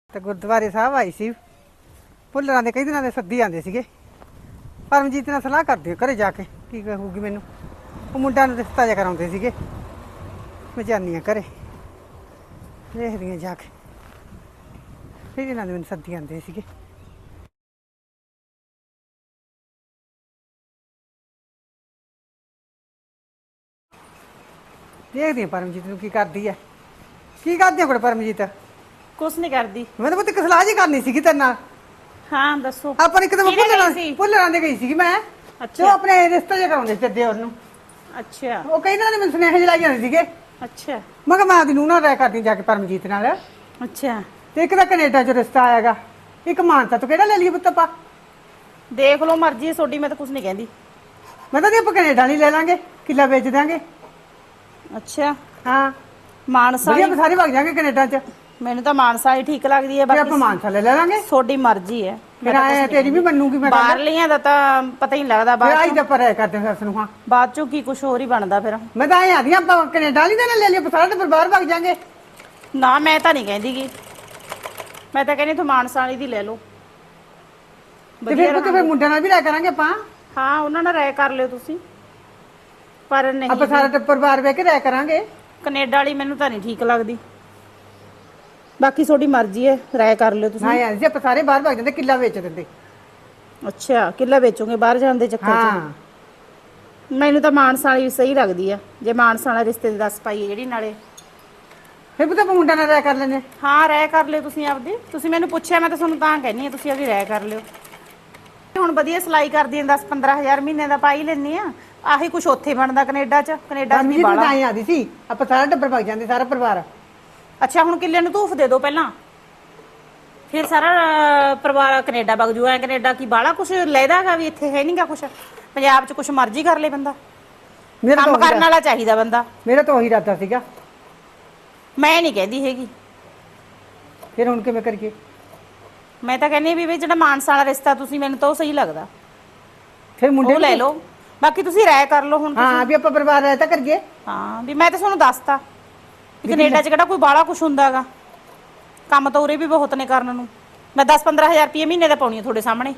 ਤੇ ਗੁਰਦੁਆਰੇ ਸਾਹਿਬ ਆਈ ਸੀ। ਭੁੱਲਰਾਂ ਦੇ ਕਈ ਦਿਨਾਂ ਦੇ ਸੱਦੀ ਆਂਦੇ ਸੀਗੇ। ਪਰਮਜੀਤ ਨਾਲ ਸਲਾਹ ਕਰਦੇ ਘਰੇ ਜਾ ਕੇ ਕੀ ਕਹੂਗੀ ਮੈਨੂੰ। ਉਹ ਮੁੰਡਾ ਨੂੰ ਰਿਸ਼ਤਾ ਜਿਹਾ ਕਰਾਉਂਦੇ ਸੀਗੇ। ਮੈਂ ਜਾਂਦੀ ਹਾਂ ਘਰੇ, ਦੇਖਦੀ ਹਾਂ ਜਾ ਕੇ। ਕਈ ਦਿਨਾਂ ਦੇ ਮੈਨੂੰ ਸੱਦੀ ਆਂਦੇ ਸੀਗੇ। ਦੇਖਦੀ ਹਾਂ ਪਰਮਜੀਤ ਨੂੰ ਕੀ ਕਰਦੀ ਹੈ। ਕੀ ਕਰਦੀ ਕੋਲ ਪਰਮਜੀਤ? ਕੁਛ ਨਹੀਂ ਕਰਦੀ। ਮੈਂ ਤਾਂ ਪੁੱਤ ਇੱਕ ਸਲਾਹ ਜੀ ਕਰਨੀ ਸੀਗੀ ਤੇਰੇ ਨਾਲ। ਹਾਂ ਦੱਸੋ। ਆਪਾਂ ਇੱਕ ਦਿਨ ਭੁੱਲਰਾਂ ਦੇ ਗਈ ਸੀਗੀ ਮੈਂ। ਤੇ ਉਹ ਅੱਛਾ ਆਪਣੇ ਰਿਸ਼ਤੇ ਜਿਹਾ ਕਰਾਉਂਦੇ ਸੀ ਦਿਓਰ ਨੂੰ। ਅੱਛਾ ਉਹ ਕਈ ਦਿਨਾਂ ਦੇ ਮੈਨੂੰ ਸੁਨੇਹੇ ਲਾਈ ਜਾਂਦੇ ਸੀਗੇ। ਅੱਛਾ ਮੈਂ ਕਿਹਾ ਮੈਂ ਆਪਦੀ ਨੂੰਹ ਨਾਲ ਰਾਇ ਕਰਦੀ ਜਾ ਕੇ ਪਰਮਜੀਤ ਨਾਲ। ਅੱਛਾ ਤੇ ਇੱਕ ਤਾਂ ਕੈਨੇਡਾ 'ਚ ਰਿਸ਼ਤਾ ਆਏਗਾ, ਇੱਕ ਮਾਨਸਾ ਤੋਂ। ਕਿਹੜਾ ਲੈ ਲਈਏ ਪੁੱਤ ਆਪਾਂ? ਦੇਖ ਲਓ ਮਰਜ਼ੀ ਹੈ ਤੁਹਾਡੀ, ਮੈਂ ਤਾਂ ਕੁਛ ਨਹੀਂ ਕਹਿੰਦੀ। ਮੈਂ ਤਾਂ ਆਪਾਂ ਕੈਨੇਡਾ ਨਹੀਂ ਲੈ ਲਾਂਗੇ, ਕਿੱਲਾ ਵੇਚ ਦਾਂਗੇ। ਅੱਛਾ ਹਾਂ ਮਾਨਸਾ ਵਧੀਆ, ਹੀ- ਆਪਾਂ ਸਾਰੇ ਵਗ ਜਾਾਂਗੇ ਕੈਨੇਡਾ 'ਚ। ਮੈਨੂੰ ਤਾਂ ਮਾਨਸਾ ਹੀ ਠੀਕ ਲੱਗਦੀ ਹੈ। ਫਿਰ ਆਪਾਂ ਬਾਕੀ ਮਾਨਸਾ ਲੈ ਲਾਂਗੇ। ਤੁਹਾਡੀ ਮਰਜ਼ੀ ਹੈ। ਫਿਰ ਆਏ ਤੇਰੀ ਵੀ ਮੰਨੂਗੀ ਮੈਂ। ਬਾਹਰਲੀਆਂ ਦਾ ਤਾਂ ਪਤਾ ਹੀ ਨਹੀਂ ਲੱਗਦਾ। ਫਿਰ ਆਈ ਬਾਅਦ ਤਾਂ ਆਪਾਂ ਰਾਇ ਕਰਦੇ ਹਾਂ ਸੱਸ ਨੂੰ। ਹਾਂ ਬਾਅਦ ਚੋਂ ਕੀ ਕੁਛ ਹੋਰ ਹੀ ਬਣਦਾ ਫਿਰ। ਮੈਂ ਤਾਂ ਆਏ ਆਦੀ ਆਪਾਂ ਕੈਨੇਡਾ ਨਹੀਂ ਲੈ ਲਈਏ, ਆਪਾਂ ਸਾਰਾ ਟੱਬਰ ਬਾਹਰ ਵਗ ਜਾਾਂਗੇ। ਨਾ ਮੈਂ ਤਾਂ ਨਹੀਂ ਕਹਿੰਦੀ ਗੀ, ਮੈਂ ਤਾਂ ਕਹਿੰਦੀ ਤੂੰ ਮਾਨਸਾ ਵਾਲੀ ਦੀ ਲੈ ਲਓ। ਤੇ ਫਿਰ ਮੁੰਡਿਆਂ ਨਾਲ ਵੀ ਰਾਇ ਕਰਾਂਗੇ ਆਪਾਂ। ਹਾਂ ਉਹਨਾਂ ਨਾਲ ਰਾਇ ਕਰ ਲਿਓ ਤੁਸੀਂ। ਪਰ ਨਹੀਂ ਆਪਾਂ ਸਾਰਾ ਟੱਬਰ ਬਾਹਰ ਬਹਿ ਕੇ ਰਾਇ ਕਰਾਂਗੇ। ਕੈਨੇਡਾ ਵਾਲੀ ਮੈਨੂੰ ਤਾਂ ਨਹੀਂ ਠੀਕ ਲੱਗਦੀ। ਬਾਕੀ ਤੁਹਾਡੀ ਮਰਜ਼ੀ ਹੈ, ਰਾਇ ਕਰ ਲਿਓ ਤੁਸੀਂ। ਹਾਂ ਯਾਰ ਜੀ ਆਪਾਂ ਸਾਰੇ ਬਾਹਰ ਵਗ ਜਾਂਦੇ, ਕਿੱਲਾ ਵੇਚ ਦਿੰਦੇ। ਅੱਛਾ ਕਿੱਲਾ ਵੇਚੋਗੇ ਬਾਹਰ ਜਾਣ ਦੇ ਚੱਕਰ 'ਚ? ਹਾਂ ਮੈਨੂੰ ਤਾਂ ਮਾਨਸਾ ਵਾਲੀ ਸਹੀ ਲੱਗਦੀ ਆ। ਜੇ ਮਾਨਸਾ ਵਾਲਾ ਰਿਸ਼ਤੇ ਦੀ ਦੱਸ ਪਾਈਏ ਜਿਹੜੀ ਨਾਲੇ। ਫਿਰ ਵੀ ਤਾਂ ਆਪਾਂ ਮੁੰਡਿਆਂ ਨਾਲ ਰਾਇ ਕਰ ਲੈਂਦੇ। ਹਾਂ ਰਾਇ ਕਰ ਲਿਓ ਤੁਸੀਂ ਆਪਦੀ। ਤੁਸੀਂ ਮੈਨੂੰ ਪੁੱਛਿਆ, ਮੈਂ ਤਾਂ ਤੁਹਾਨੂੰ ਤਾਂ ਕਹਿੰਦੀ ਆ ਤੁਸੀਂ ਆਪਦੀ ਰਾਇ ਕਰ ਲਿਓ। ਹੁਣ ਵਧੀਆ ਸਿਲਾਈ ਕਰਦੀ ਆ, 10-15 ਹਜ਼ਾਰ ਮਹੀਨੇ ਦਾ ਪਾਈ ਲੈਂਦੀ ਆ। ਆਹੀ ਕੁਛ ਉੱਥੇ ਬਣਦਾ ਕੈਨੇਡਾ 'ਚ। ਕੈਨੇਡਾ 'ਚ ਵੀ ਬਾਲਾ ਆਈ ਆਦੀ ਸੀ, ਆਪਾਂ ਸਾਰਾ ਟੱਬਰ ਵਗ ਜਾਂਦੇ, ਸਾਰਾ ਪਰਿਵਾਰ। ਅੱਛਾ ਹੁਣ ਕਿੱਲੇ ਨੂੰ ਧੂਫ ਦੇ ਦਿਓ ਪਹਿਲਾਂ, ਫਿਰ ਸਾਰਾ ਪਰਿਵਾਰ ਕੈਨੇਡਾ ਵਗ ਜੂ। ਐ ਕੈਨੇਡਾ ਕੀ ਬਾਲਾ ਕੁਛ ਲੈਦਾਗਾ ਵੀ, ਇੱਥੇ ਹੈ ਨਹੀਂਗਾ ਕੁਛ। ਪੰਜਾਬ 'ਚ ਕੁਛ ਮਰਜ਼ੀ ਕਰ ਲੇ ਬੰਦਾ, ਕੰਮ ਕਰਨ ਵਾਲਾ ਚਾਹੀਦਾ ਬੰਦਾ। ਮੇਰਾ ਤਾਂ ਉਹੀ ਇਰਾਦਾ ਸੀਗਾ। ਮੈਂ ਨਹੀਂ ਕਹਿੰਦੀ ਹੈਗੀ। ਫਿਰ ਹੁਣ ਕਿਵੇਂ ਕਰੀਏ? ਮੈਂ ਤਾਂ ਕਹਿੰਦੀ ਵੀ ਜਿਹੜਾ ਮਾਨਸਾ ਵਾਲਾ ਰਿਸ਼ਤਾ ਤੁਸੀਂ, ਮੈਨੂੰ ਤਾਂ ਉਹ ਸਹੀ ਲੱਗਦਾ। ਫਿਰ ਮੁੰਡੇ ਉਹ ਲੈ ਲਓ, ਬਾਕੀ ਤੁਸੀਂ ਰਾਇ ਕਰ ਲਓ ਹੁਣ। ਹਾਂ ਵੀ ਆਪਾਂ ਪਰਿਵਾਰ ਰਾਇ ਤਾਂ ਕਰੀਏ। ਹਾਂ ਵੀ ਮੈਂ ਤਾਂ ਤੁਹਾਨੂੰ ਦੱਸਤਾ ਵੀ ਕੈਨੇਡਾ 'ਚ ਕਿਹੜਾ ਕੋਈ ਬਾਲਾ ਕੁਛ ਹੁੰਦਾਗਾ। ਕੰਮ ਤਾਂ ਉਰੇ ਵੀ ਬਹੁਤ ਨੇ ਕਰਨ ਨੂੰ। ਮੈਂ 10-15 ਹਜ਼ਾਰ ਰੁਪਏ ਮਹੀਨੇ ਦਾ ਪਾਉਣੀ ਆ ਤੁਹਾਡੇ ਸਾਹਮਣੇ।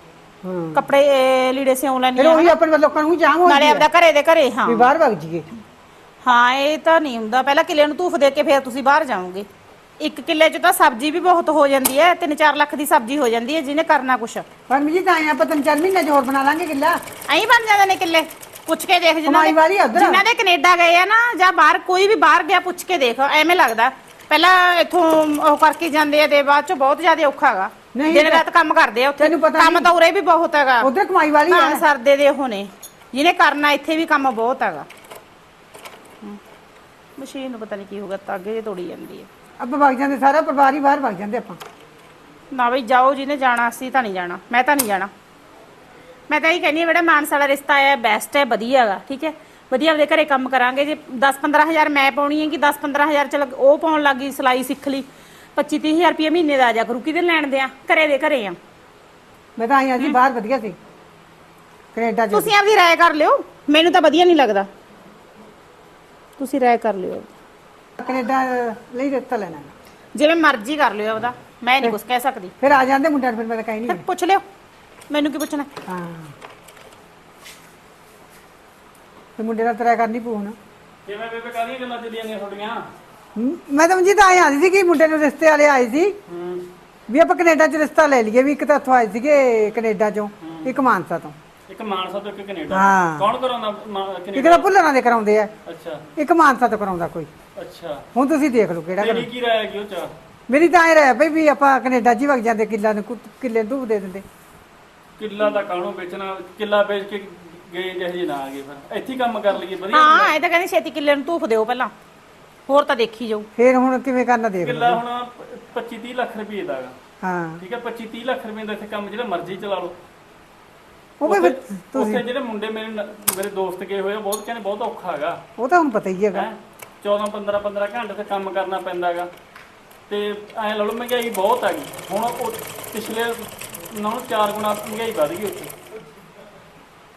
ਕੱਪੜੇ ਲੀੜੇ ਸਿਉਂ ਲੈਣੀ ਫਿਰ ਉਹੀ ਆਪਣੇ ਲੋਕਾਂ ਨੂੰ ਜਾਮ ਹੋ ਨਾਲੇ ਆਪਦਾ ਘਰੇ ਦੇ ਘਰੇ। ਹਾਂ ਵੀ ਬਾਹਰ ਵਗ ਜੀਏ। ਹਾਂ ਇਹ ਤਾਂ ਨਹੀਂ ਹੁੰਦਾ। ਪਹਿਲਾਂ ਕਿੱਲੇ ਨੂੰ ਧੂਫ ਦੇ ਕੇ ਫਿਰ ਤੁਸੀਂ ਬਾਹਰ ਜਾਓਗੇ। ਇੱਕ ਕਿੱਲੇ 'ਚ ਤਾਂ ਸਬਜ਼ੀ ਵੀ ਬਹੁਤ ਹੋ ਜਾਂਦੀ ਹੈ। 3-4 ਲੱਖ ਦੀ ਸਬਜ਼ੀ ਹੋ ਜਾਂਦੀ ਹੈ ਜਿਹਨੇ ਕਰਨਾ ਕੁਛ। ਪਰ ਜੀ ਤਾਂ ਆਏ ਆਪਾਂ 3-4 ਮਹੀਨੇ 'ਚ ਹੋਰ ਬਣਾ ਲਾਂਗੇ ਕਿੱਲਾ। ਐਂ ਬਣ ਜਾਂਦੇ ਨੇ ਕਿੱਲੇ। ਪੁੱਛ ਕੇ ਦੇਖ ਜਿਨ੍ਹਾਂ ਦੇ ਕੈਨੇਡਾ ਗਏ ਆ ਨਾ, ਜਾਂ ਬਾਹਰ ਕੋਈ ਵੀ ਬਾਹਰ ਗਿਆ, ਪੁੱਛ ਕੇ ਦੇਖ। ਐਵੇਂ ਲੱਗਦਾ ਪਹਿਲਾਂ ਇੱਥੋਂ ਉਹ ਕਰਕੇ ਜਾਂਦੇ ਆ ਤੇ ਬਾਅਦ 'ਚ ਬਹੁਤ ਜ਼ਿਆਦਾ ਔਖਾ ਹੈਗਾ। ਦਿਨ ਰਾਤ ਕੰਮ ਕਰਦੇ ਆ ਉੱਥੇ। ਕੰਮ ਤਾਂ ਉਰੇ ਵੀ ਬਹੁਤ ਹੈਗਾ। ਉਧਰ ਕਮਾਈ ਵਾਲੀ ਆ। ਸਰਦੇ ਦੇ ਉਹ ਨੇ ਜਿਹਨੇ ਕਰਨਾ। ਇੱਥੇ ਵੀ ਕੰਮ ਬਹੁਤ ਹੈਗਾ। ਮਸ਼ੀਨ ਨੂੰ ਪਤਾ ਨਹੀਂ ਕੀ ਹੋਗਾ, ਤਾਂ ਅੱਗੇ ਤੋੜੀ ਜਾਂਦੀ ਹੈ। ਆਪਾਂ ਵਗ ਜਾਂਦੇ, ਸਾਰਾ ਪਰਿਵਾਰ ਹੀ ਬਾਹਰ ਵਗ ਜਾਂਦੇ ਆਪਾਂ। ਨਾ ਬਈ ਜਾਓ, ਜਿਹਨੇ ਜਾਣਾ। ਅਸੀਂ ਤਾਂ ਨਹੀਂ ਜਾਣਾ, ਮੈਂ ਤਾਂ ਨਹੀਂ ਜਾਣਾ। ਮੈਂ ਤਾਂ ਇਹ ਕਹਿੰਦੀ ਹਾਂ ਜਿਹੜਾ ਮਾਨਸਾ ਵਾਲਾ ਰਿਸ਼ਤਾ ਆਇਆ ਬੈਸਟ ਹੈ, ਵਧੀਆ ਹੈਗਾ। ਠੀਕ ਹੈ, ਵਧੀਆ ਆਪਦੇ ਘਰੇ ਕੰਮ ਕਰਾਂਗੇ। ਜੇ 10-15 ਹਜ਼ਾਰ ਮੈਂ ਪਾਉਣੀ ਹੈ ਕਿ 10-15 ਹਜ਼ਾਰ ਚ ਉਹ ਪਾਉਣ ਲੱਗ ਗਈ, ਸਿਲਾਈ ਸਿੱਖ ਲਈ, 25-30 ਹਜ਼ਾਰ ਰੁਪਏ ਮਹੀਨੇ ਦਾ ਆ ਜਾ ਕਰੂ। ਕਿਹਦੇ ਲੈਣ ਦੇ ਆ? ਘਰੇ ਦੇ ਘਰੇ ਆ। ਮੈਂ ਤਾਂ ਆਈ ਜੀ ਬਾਹਰ ਵਧੀਆ ਸੀ ਕੈਨੇਡਾ 'ਚ। ਤੁਸੀਂ ਆਪਦੀ ਰਾਇ ਕਰ ਲਿਓ, ਮੈਨੂੰ ਤਾਂ ਵਧੀਆ ਨਹੀਂ ਲੱਗਦਾ। ਤੁਸੀਂ ਰਾਇ ਕਰ ਲਿਓ। ਕੈਨੇਡਾ ਲਈ ਰਿਸ਼ਤਾ ਲੈਣਾ ਜਿਵੇਂ ਮਰਜ਼ੀ ਕਰ ਲਿਓ ਆਪਦਾ, ਮੈਂ ਨਹੀਂ ਕੁਝ ਕਹਿ ਸਕਦੀ। ਫਿਰ ਆ ਜਾਂਦੇ ਮੁੰਡਿਆਂ ਨੂੰ, ਫਿਰ ਮੈਂ ਤਾਂ ਕਹੀ ਨਹੀਂ। ਪੁੱਛ ਲਿਓ, ਮੈਨੂੰ ਕੀ ਪੁੱਛਣਾ। ਹਾਂ ਤੇ ਮੁੰਡੇ ਨਾਲ ਤਰਾ ਕਰਨੀ ਪਊ ਨਾ। ਕਿਵੇਂ ਬੇਬੇ ਕਾਹਦੀਆਂ ਗੱਲਾਂ ਚੱਲੀਆਂ ਨੇ ਤੁਹਾਡੀਆਂ? ਮੈਂ ਤਾਂ ਜੀ ਤਾਂ ਆਏ ਆਦੀ ਸੀ ਕਿ ਮੁੰਡੇ ਨੂੰ ਰਿਸ਼ਤੇ ਵਾਲੇ ਆਏ ਸੀ ਵੀ ਆਪਾਂ ਕੈਨੇਡਾ 'ਚ ਰਿਸ਼ਤਾ ਲੈ ਲਈਏ। ਵੀ ਇੱਕ ਤਾਂ ਇੱਥੋਂ ਆਏ ਸੀਗੇ ਕੈਨੇਡਾ 'ਚੋਂ, ਇੱਕ ਮਾਨਸਾ ਤੋਂ। ਇੱਕ ਮਾਨਸਾ ਤੋਂ, ਇੱਕ ਕੈਨੇਡਾ। ਹਾਂ। ਕੌਣ ਕਰਾਉਂਦਾ ਇੱਕ ਕੈਨੇਡਾ? ਤਾਂ ਭੁੱਲਰਾਂ ਦੇ ਕਰਾਉਂਦੇ ਆ, ਅੱਛਾ ਇੱਕ ਮਾਨਸਾ ਤੋਂ ਕਰਾਉਂਦਾ ਕੋਈ। ਅੱਛਾ, ਹੁਣ ਤੁਸੀਂ ਦੇਖ ਲਓ ਕਿਹੜਾ ਤੇਰੀ ਕੀ ਰਾਇ ਹੈਗੀ ਉਹ ਚ? ਮੇਰੀ ਤਾਂ ਐ ਰਹਿ ਪਈ ਵੀ ਆਪਾਂ ਕੈਨੇਡਾ 'ਚ ਹੀ ਵਗ ਜਾਂਦੇ, ਕਿੱਲਾ ਨੂੰ ਕਿੱਲੇ ਨੂੰ ਦੇ ਦਿੰਦੇ। ਕਿੱਲਾ ਦਾ ਕਾਹਨੂੰ ਵੇਚਣਾ? ਕਿੱਲਾ ਵੇਚ ਕੇ ਗਏ ਜਿਹੇ ਨਾ ਆ ਗਏ, ਫਿਰ ਇੱਥੇ ਹੀ ਕੰਮ ਕਰ ਲਈਏ ਵਧੀਆ। ਹਾਂ ਇਹ ਤਾਂ ਕਹਿੰਦੀ ਛੇਤੀ ਕਿੱਲੇ ਨੂੰ ਧੂਫ ਦਿਓ ਪਹਿਲਾਂ, ਹੋਰ ਤਾਂ ਦੇਖੀ ਜਾਊ। ਫਿਰ ਹੁਣ ਕਿਵੇਂ ਕਰਨਾ ਦੇਖ ਲਓ। ਕਿੱਲਾ ਹੁਣ 25-30 ਲੱਖ ਰੁਪਏ ਦਾ ਹੈਗਾ। ਹਾਂ ਠੀਕ ਹੈ, 25-30 ਲੱਖ ਰੁਪਏ ਦਾ ਇੱਥੇ ਕੰਮ ਜਿਹੜਾ ਮਰਜ਼ੀ ਚਲਾ ਲਓ। ਉਹ ਵੀ ਉੱਥੇ ਜਿਹੜੇ ਮੁੰਡੇ ਮੇਰੇ ਦੋਸਤ ਗਏ ਹੋਏ, ਉਹ ਬਹੁਤ ਕਹਿੰਦੇ ਬਹੁਤ ਔਖਾ ਹੈਗਾ। ਉਹ ਤਾਂ ਹੁਣ ਪਤਾ ਹੀ ਹੈਗਾ। 14-15 ਘੰਟੇ ਤੇ ਕੰਮ ਕਰਨਾ ਪੈਂਦਾ ਹੈਗਾ। ਤੇ ਐਂ ਲਾ ਲਓ ਮਹਿੰਗਾਈ ਬਹੁਤ ਹੈਗੀ। ਹੁਣ ਉਹ ਪਿਛਲੇ ਨਾਲੋਂ 4 ਗੁਣਾ ਮਹਿੰਗਾਈ ਵੱਧ ਗਈ ਉੱਥੇ।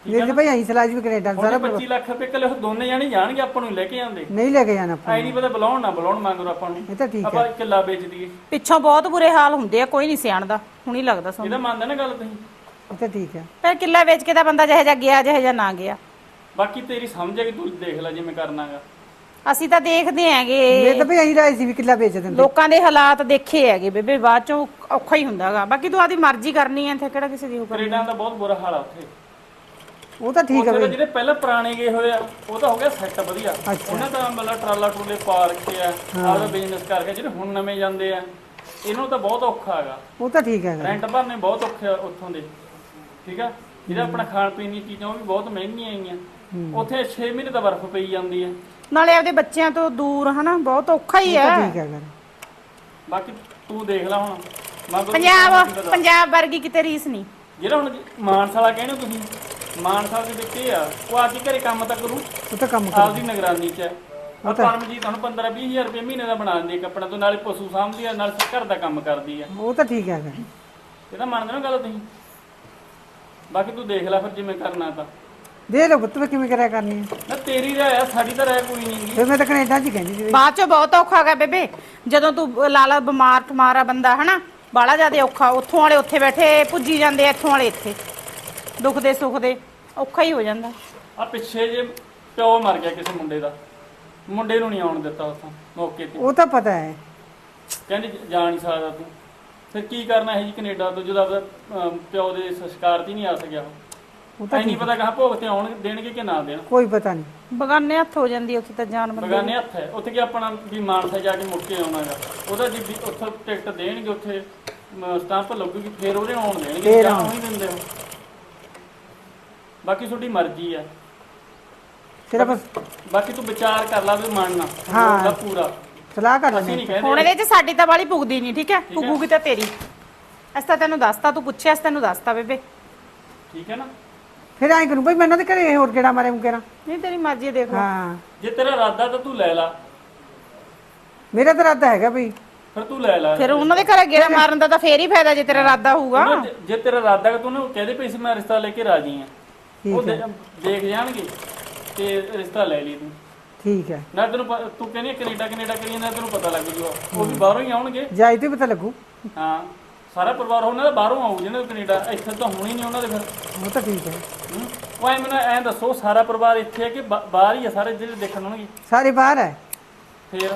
ਮੇਰੇ ਭਾਈ ਅਸੀਂ ਸਲਾਹ ਜੀ ਕੈਨੇਡਾ ਹੁਣ ਸਾਰਾ 25 ਲੱਖ ਰੁਪਏ ਕੱਲੇ ਉਹ ਦੋਨੇ ਜਾਣੇ ਜਾਣਗੇ, ਆਪਾਂ ਨੂੰ ਲੈ ਕੇ ਜਾਂਦੇ। ਨਹੀਂ ਲੈ ਕੇ ਜਾਣਾ ਆਪਾਂ ਐ ਨਹੀਂ ਪਤਾ ਬੁਲਾਉਣ ਨਾ ਬੁਲਾਉਣ ਮੰਗਰੋ ਆਪਾਂ ਨੂੰ, ਇਹ ਤਾਂ ਠੀਕ ਆਪਾਂ ਹੈ ਕਿੱਲਾ ਵੇਚ ਦਈਏ। ਪਿੱਛੋਂ ਬਹੁਤ ਬੁਰੇ ਹਾਲ ਹੁੰਦੇ ਆ, ਕੋਈ ਨਹੀਂ ਸਿਆਣਦਾ, ਹੁਣੀ ਲੱਗਦਾ ਸਾਨੂੰ। ਇਹਦਾ ਮੰਨਦਾ ਨਾ ਗੱਲ ਤੁਸੀਂ? ਇਹ ਤਾਂ ਠੀਕ ਹੈ ਫਿਰ ਕਿੱਲਾ ਵੇਚ ਕੇ ਤਾਂ ਬੰਦਾ ਜਿਹੇ ਜਾ ਗਿਆ ਜਿਹੇ ਜਾ ਨਾ ਗਿਆ। ਬਾਕੀ ਤੇਰੀ ਸਮਝ ਹੈ ਕਿ ਤੂੰ ਦੇਖ ਲੈ ਜਿਵੇਂ ਕਰਨਾਗਾ। ਅਸੀਂ ਤਾਂ ਦੇਖਦੇ ਮੇਰੇ ਹੈਗੇ, ਤਾਂ ਭਾਈ ਅਸੀਂ ਰਾਏ ਸੀ ਵੀ ਕਿੱਲਾ ਵੇਚ ਦਿੰਦੇ ਲੋਕਾਂ ਦੇ ਹਾਲਾਤ ਦੇਖੇ ਹੈਗੇ ਬੇਬੇ, ਬਾਅਦ ਚੋਂ ਔਖਾ ਹੀ ਹੁੰਦਾਗਾ। ਬਾਕੀ ਤੂੰ ਆਦੀ ਮਰਜ਼ੀ ਕਰਨੀ ਹੈ, ਇੱਥੇ ਕਿਹੜਾ ਕਿਸੇ ਦੀ ਹੁਕਮ। ਕੈਨੇਡਾ ਦਾ ਬਹੁਤ ਬੁਰਾ ਹਾਲ ਆ ਉੱਥੇ। ਉਹ ਤਾਂ ਠੀਕ ਹੈ ਉੱਥੇ ਤਾਂ ਬਈ ਜਿਹੜੇ ਪਹਿਲਾਂ ਪੁਰਾਣੇ ਗਏ ਹੋਏ ਆ ਉਹ ਤਾਂ ਹੋ ਗਿਆ ਸੈੱਟ ਵਧੀਆ, ਉਹਨਾਂ ਦਾ ਮਤਲਬ ਟਰਾਲਾ ਟਰੂਲੇ ਪਾ ਰੱਖੇ ਆ, ਆਪਦਾ ਬਿਜ਼ਨਸ ਕਰਕੇ। ਜਿਹੜੇ ਹੁਣ ਨਵੇਂ ਜਾਂਦੇ ਆ ਇਹਨਾਂ ਨੂੰ ਤਾਂ ਬਹੁਤ ਔਖਾ ਹੈਗਾ, ਉਹ ਤਾਂ ਠੀਕ ਹੈ ਰੈਂਟ ਭਰਨੇ ਬਹੁਤ ਔਖੇ ਆ ਉੱਥੋਂ ਦੇ, ਠੀਕ ਆ। ਜਿਹੜਾ ਆਪਣਾ ਖਾਣ ਪੀਣ ਦੀਆਂ ਚੀਜ਼ਾਂ ਉਹ ਵੀ ਬਹੁਤ ਮਹਿੰਗੀਆਂ ਆਈਆਂ। ਉੱਥੇ 6 ਮਹੀਨੇ ਤਾਂ ਬਰਫ਼ ਪਈ ਜਾਂਦੀ ਹੈ, ਨਾਲੇ ਆਪਦੇ ਬੱਚਿਆਂ ਤੋਂ ਦੂਰ ਹਨਾ, ਬਹੁਤ ਔਖਾ ਹੀ ਉਹ ਤਾਂ ਹੈ। ਠੀਕ ਹੈ ਬਾਕੀ ਤੂੰ ਦੇਖ ਲੈ ਹੁਣ ਪੰਜਾਬ ਵਰਗੀ ਕਿਤੇ ਰੀਸ ਨਹੀਂ। ਜਿਹੜਾ ਹੁਣ ਮਾਨਸਾਲਾ ਕਹਿੰਦੇ ਹੋ ਤੁਸੀਂ, ਮਾਨਸਾਲਾ ਦੇ ਵਿੱਚ ਇਹ ਆ ਉਹ ਆ ਕੇ ਘਰੇ ਕੰਮ ਤਾਂ ਕਰੂ, ਉਹ ਤਾਂ ਕੰਮ ਕਰ ਆਪਦੀ ਨਿਗਰਾਨੀ 'ਚ ਹੈ। ਉਹ ਪਰਮਜੀਤ ਤੁਹਾਨੂੰ 15-20 ਹਜ਼ਾਰ ਰੁਪਏ ਮਹੀਨੇ ਦਾ ਬਣਾ ਦਿੰਦੀ ਹੈ ਕੱਪੜਾ ਤੋਂ, ਨਾਲੇ ਪਸ਼ੂ ਸਾਂਭਦੀ ਆ, ਨਾਲ ਘਰ ਦਾ ਕੰਮ ਕਰਦੀ ਆ। ਉਹ ਤਾਂ ਠੀਕ ਹੈ ਇਹ ਤਾਂ ਮੰਨਦੇ ਨਾ ਗੱਲ ਤੁਸੀਂ? ਬਾਕੀ ਤੂੰ ਦੇਖ ਲੈ ਫਿਰ ਜਿਵੇਂ ਕਰਨਾ ਤਾਂ। ਦੇ ਲੋ ਪੁੱਤ ਕਿਵੇਂ ਕਰਿਆ ਕਰਨੀ ਹੈ ਨਾ ਤੇਰੀ ਰਾਏ ਆ, ਸਾਡੀ ਤਾਂ ਰਾਏ ਕੋਈ ਨਹੀਂ ਗੀ। ਫਿਰ ਮੈਂ ਤਾਂ ਕੈਨੇਡਾ 'ਚ ਹੀ ਕਹਿੰਦੀ ਸੀ ਬਾਅਦ ਚੋਂ ਬਹੁਤ ਔਖਾ ਹੈਗਾ ਬੇਬੇ, ਜਦੋਂ ਤੂੰ ਲਾਲਾ ਬਿਮਾਰ ਠਮਾਰਾ ਬੰਦਾ ਹਨਾ, ਬਾਲਾ ਜ਼ਿਆਦਾ ਔਖਾ। ਉੱਥੋਂ ਵਾਲੇ ਉੱਥੇ ਬੈਠੇ ਪੁੱਜੀ ਜਾਂਦੇ ਆ, ਇੱਥੋਂ ਵਾਲੇ ਇੱਥੇ ਦੁੱਖ ਦੇ ਸੁੱਖ ਦੇ, ਔਖਾ ਹੀ ਹੋ ਜਾਂਦਾ। ਆ ਪਿੱਛੇ ਜੇ ਪਿਓ ਮਰ ਗਿਆ ਕਿਸੇ ਮੁੰਡੇ ਦਾ, ਮੁੰਡੇ ਨੂੰ ਨਹੀਂ ਆਉਣ ਦਿੱਤਾ ਉੱਥੋਂ ਮੌਕੇ ਤੇ, ਉਹ ਤਾਂ ਪਤਾ ਹੈ ਕਹਿੰਦੇ ਜਾ ਨਹੀਂ ਸਕਦਾ ਤੂੰ। ਫਿਰ ਕੀ ਕਰਨਾ ਹੈ ਜੀ ਕੈਨੇਡਾ ਤੋਂ, ਜਦੋਂ ਆਪਦਾ ਪਿਓ ਦੇ ਸੰਸਕਾਰ 'ਤੇ ਹੀ ਨਹੀਂ ਆ ਸਕਿਆ ਉਹ ਤਾਂ ਐ ਨਹੀਂ ਪਤਾ ਕਹਾਂ ਭੋਗ ਤੇ ਆਉਣ ਦੇਣਗੇ ਕਿ ਨਾ ਦੇਣ। ਕੋਈ ਪਤਾ ਨਹੀਂ ਬਗਾਨੇ ਹੱਥ ਹੋ ਜਾਂਦੀ ਉੱਥੇ ਤਾਂ ਜਾਨ ਬੰਦੇ ਬਗਾਨੇ ਹੱਥ ਹੈ ਉੱਥੇ, ਕਿ ਆਪਣਾ ਵੀ ਮਾਨਸਾ ਜਾ ਕੇ ਮੁੜ ਕੇ ਆਉਣਾਗਾ। ਉਹਦਾ ਜੀ ਉੱਥੋਂ ਟਿਕਟ ਦੇਣਗੇ, ਉੱਥੇ ਸਟੈਂਪ ਲੱਗੂਗੀ, ਫਿਰ ਉਹਦੇ ਆਉਣ ਦੇਣਗੇ, ਜਾਂ ਨਹੀਂ ਦਿੰਦੇ ਉਹ। ਬਾਕੀ ਤੁਹਾਡੀ ਮਰਜ਼ੀ ਆ, ਸਿਰਫ ਬਾਕੀ ਤੂੰ ਵਿਚਾਰ ਕਰ ਲਾ ਵੀ ਮੰਨਣਾ ਹਾਂ। ਉਹਦਾ ਪੂਰਾ। ਸਲਾਹ ਕਰ ਅਸੀਂ ਲੈਂਦੇ ਨਹੀਂ ਕਹਿੰਦੇ ਹੁਣ ਇਹਦੇ 'ਚ ਸਾਡੀ ਤਾਂ ਵਾਲੀ ਪੁੱਗਦੀ ਨਹੀਂ, ਠੀਕ ਹੈ? ਪੁੱਗੂਗੀ ਤਾਂ ਤੇਰੀ। ਅਸੀਂ ਤਾਂ ਤੈਨੂੰ ਦੱਸਤਾ, ਤੂੰ ਪੁੱਛਿਆ ਅਸੀਂ ਤੈਨੂੰ ਦੱਸਤਾ ਬੇਬੇ, ਠੀਕ ਹੈ ਨਾ? ਫਿਰ ਐਂ ਕਰੂੰ ਭਾਈ ਮੈਨੂੰ ਤੇ ਘਰੇ ਹੋਰ ਕਿਹੜਾ ਮਾਰੇ ਮੁਕੇਰਾ ਨਹੀਂ ਤੇਰੀ ਮਰਜ਼ੀ ਦੇਖ ਲੈ। ਹਾਂ ਜੇ ਤੇਰਾ ਇਰਾਦਾ ਤਾਂ ਤੂੰ ਲੈ ਲਾ, ਮੇਰਾ ਤਾਂ ਇਰਾਦਾ ਹੈਗਾ ਬਈ ਫਿਰ ਤੂੰ ਲੈ ਲੈ। ਫਿਰ ਉਹਨਾਂ ਦੇ ਘਰੇ ਗੇੜਾ ਮਾਰਨ ਦਾ ਤਾਂ ਫੇਰ ਹੀ ਫਾਇਦਾ ਜੇ ਤੇਰਾ ਇਰਾਦਾ ਹੋਊਗਾ। ਜੇ ਤੇਰਾ ਇਰਾਦਾ ਕਿ ਤੂੰ ਉਹਨੂੰ ਕਹਦੇ ਪਈ ਸੀ ਮੈਂ ਰਿਸ਼ਤਾ ਲੈ ਕੇ ਰਾਜੀ ਆ, ਉਹ ਦੇਖ ਜਾਣਗੇ ਤੇ ਰਿਸ਼ਤਾ ਲੈ ਲਈ ਤੂੰ। ਠੀਕ ਹੈ ਨਾ ਤੈਨੂੰ ਤੂੰ ਕਹਿੰਦੀ ਕੈਨੇਡਾ ਕੈਨੇਡਾ ਕਰੀ ਜਾਂਦਾ, ਤੈਨੂੰ ਪਤਾ ਲੱਗ ਜੂਗਾ ਉਹ ਵੀ ਬਾਹਰੋਂ ਹੀ ਆਉਣਗੇ। ਜਾਈ ਤੇ ਪਤਾ ਲੱਗੂ ਹਾਂ ਸਾਰਾ ਪਰਿਵਾਰ ਉਹਨਾਂ ਦਾ ਬਾਹਰੋਂ ਆਊ, ਜਿਹਨਾਂ ਦਾ ਕੈਨੇਡਾ, ਇੱਥੇ ਤਾਂ ਹੋਣੀ ਨਹੀਂ ਉਹਨਾਂ ਦੇ। ਫਿਰ ਉਹ ਤਾਂ ਠੀਕ ਹੈ ਉਹ ਐ ਮੈਨੂੰ ਐਂ ਦੱਸੋ, ਸਾਰਾ ਪਰਿਵਾਰ ਇੱਥੇ ਹੈ ਕਿ ਬਾਹਰ ਹੀ ਆ ਸਾਰੇ ਜਿਹੜੇ ਦੇਖਣ ਆਉਣਗੇ? ਸਾਰੇ ਬਾਹਰ ਹੈ ਫੇਰ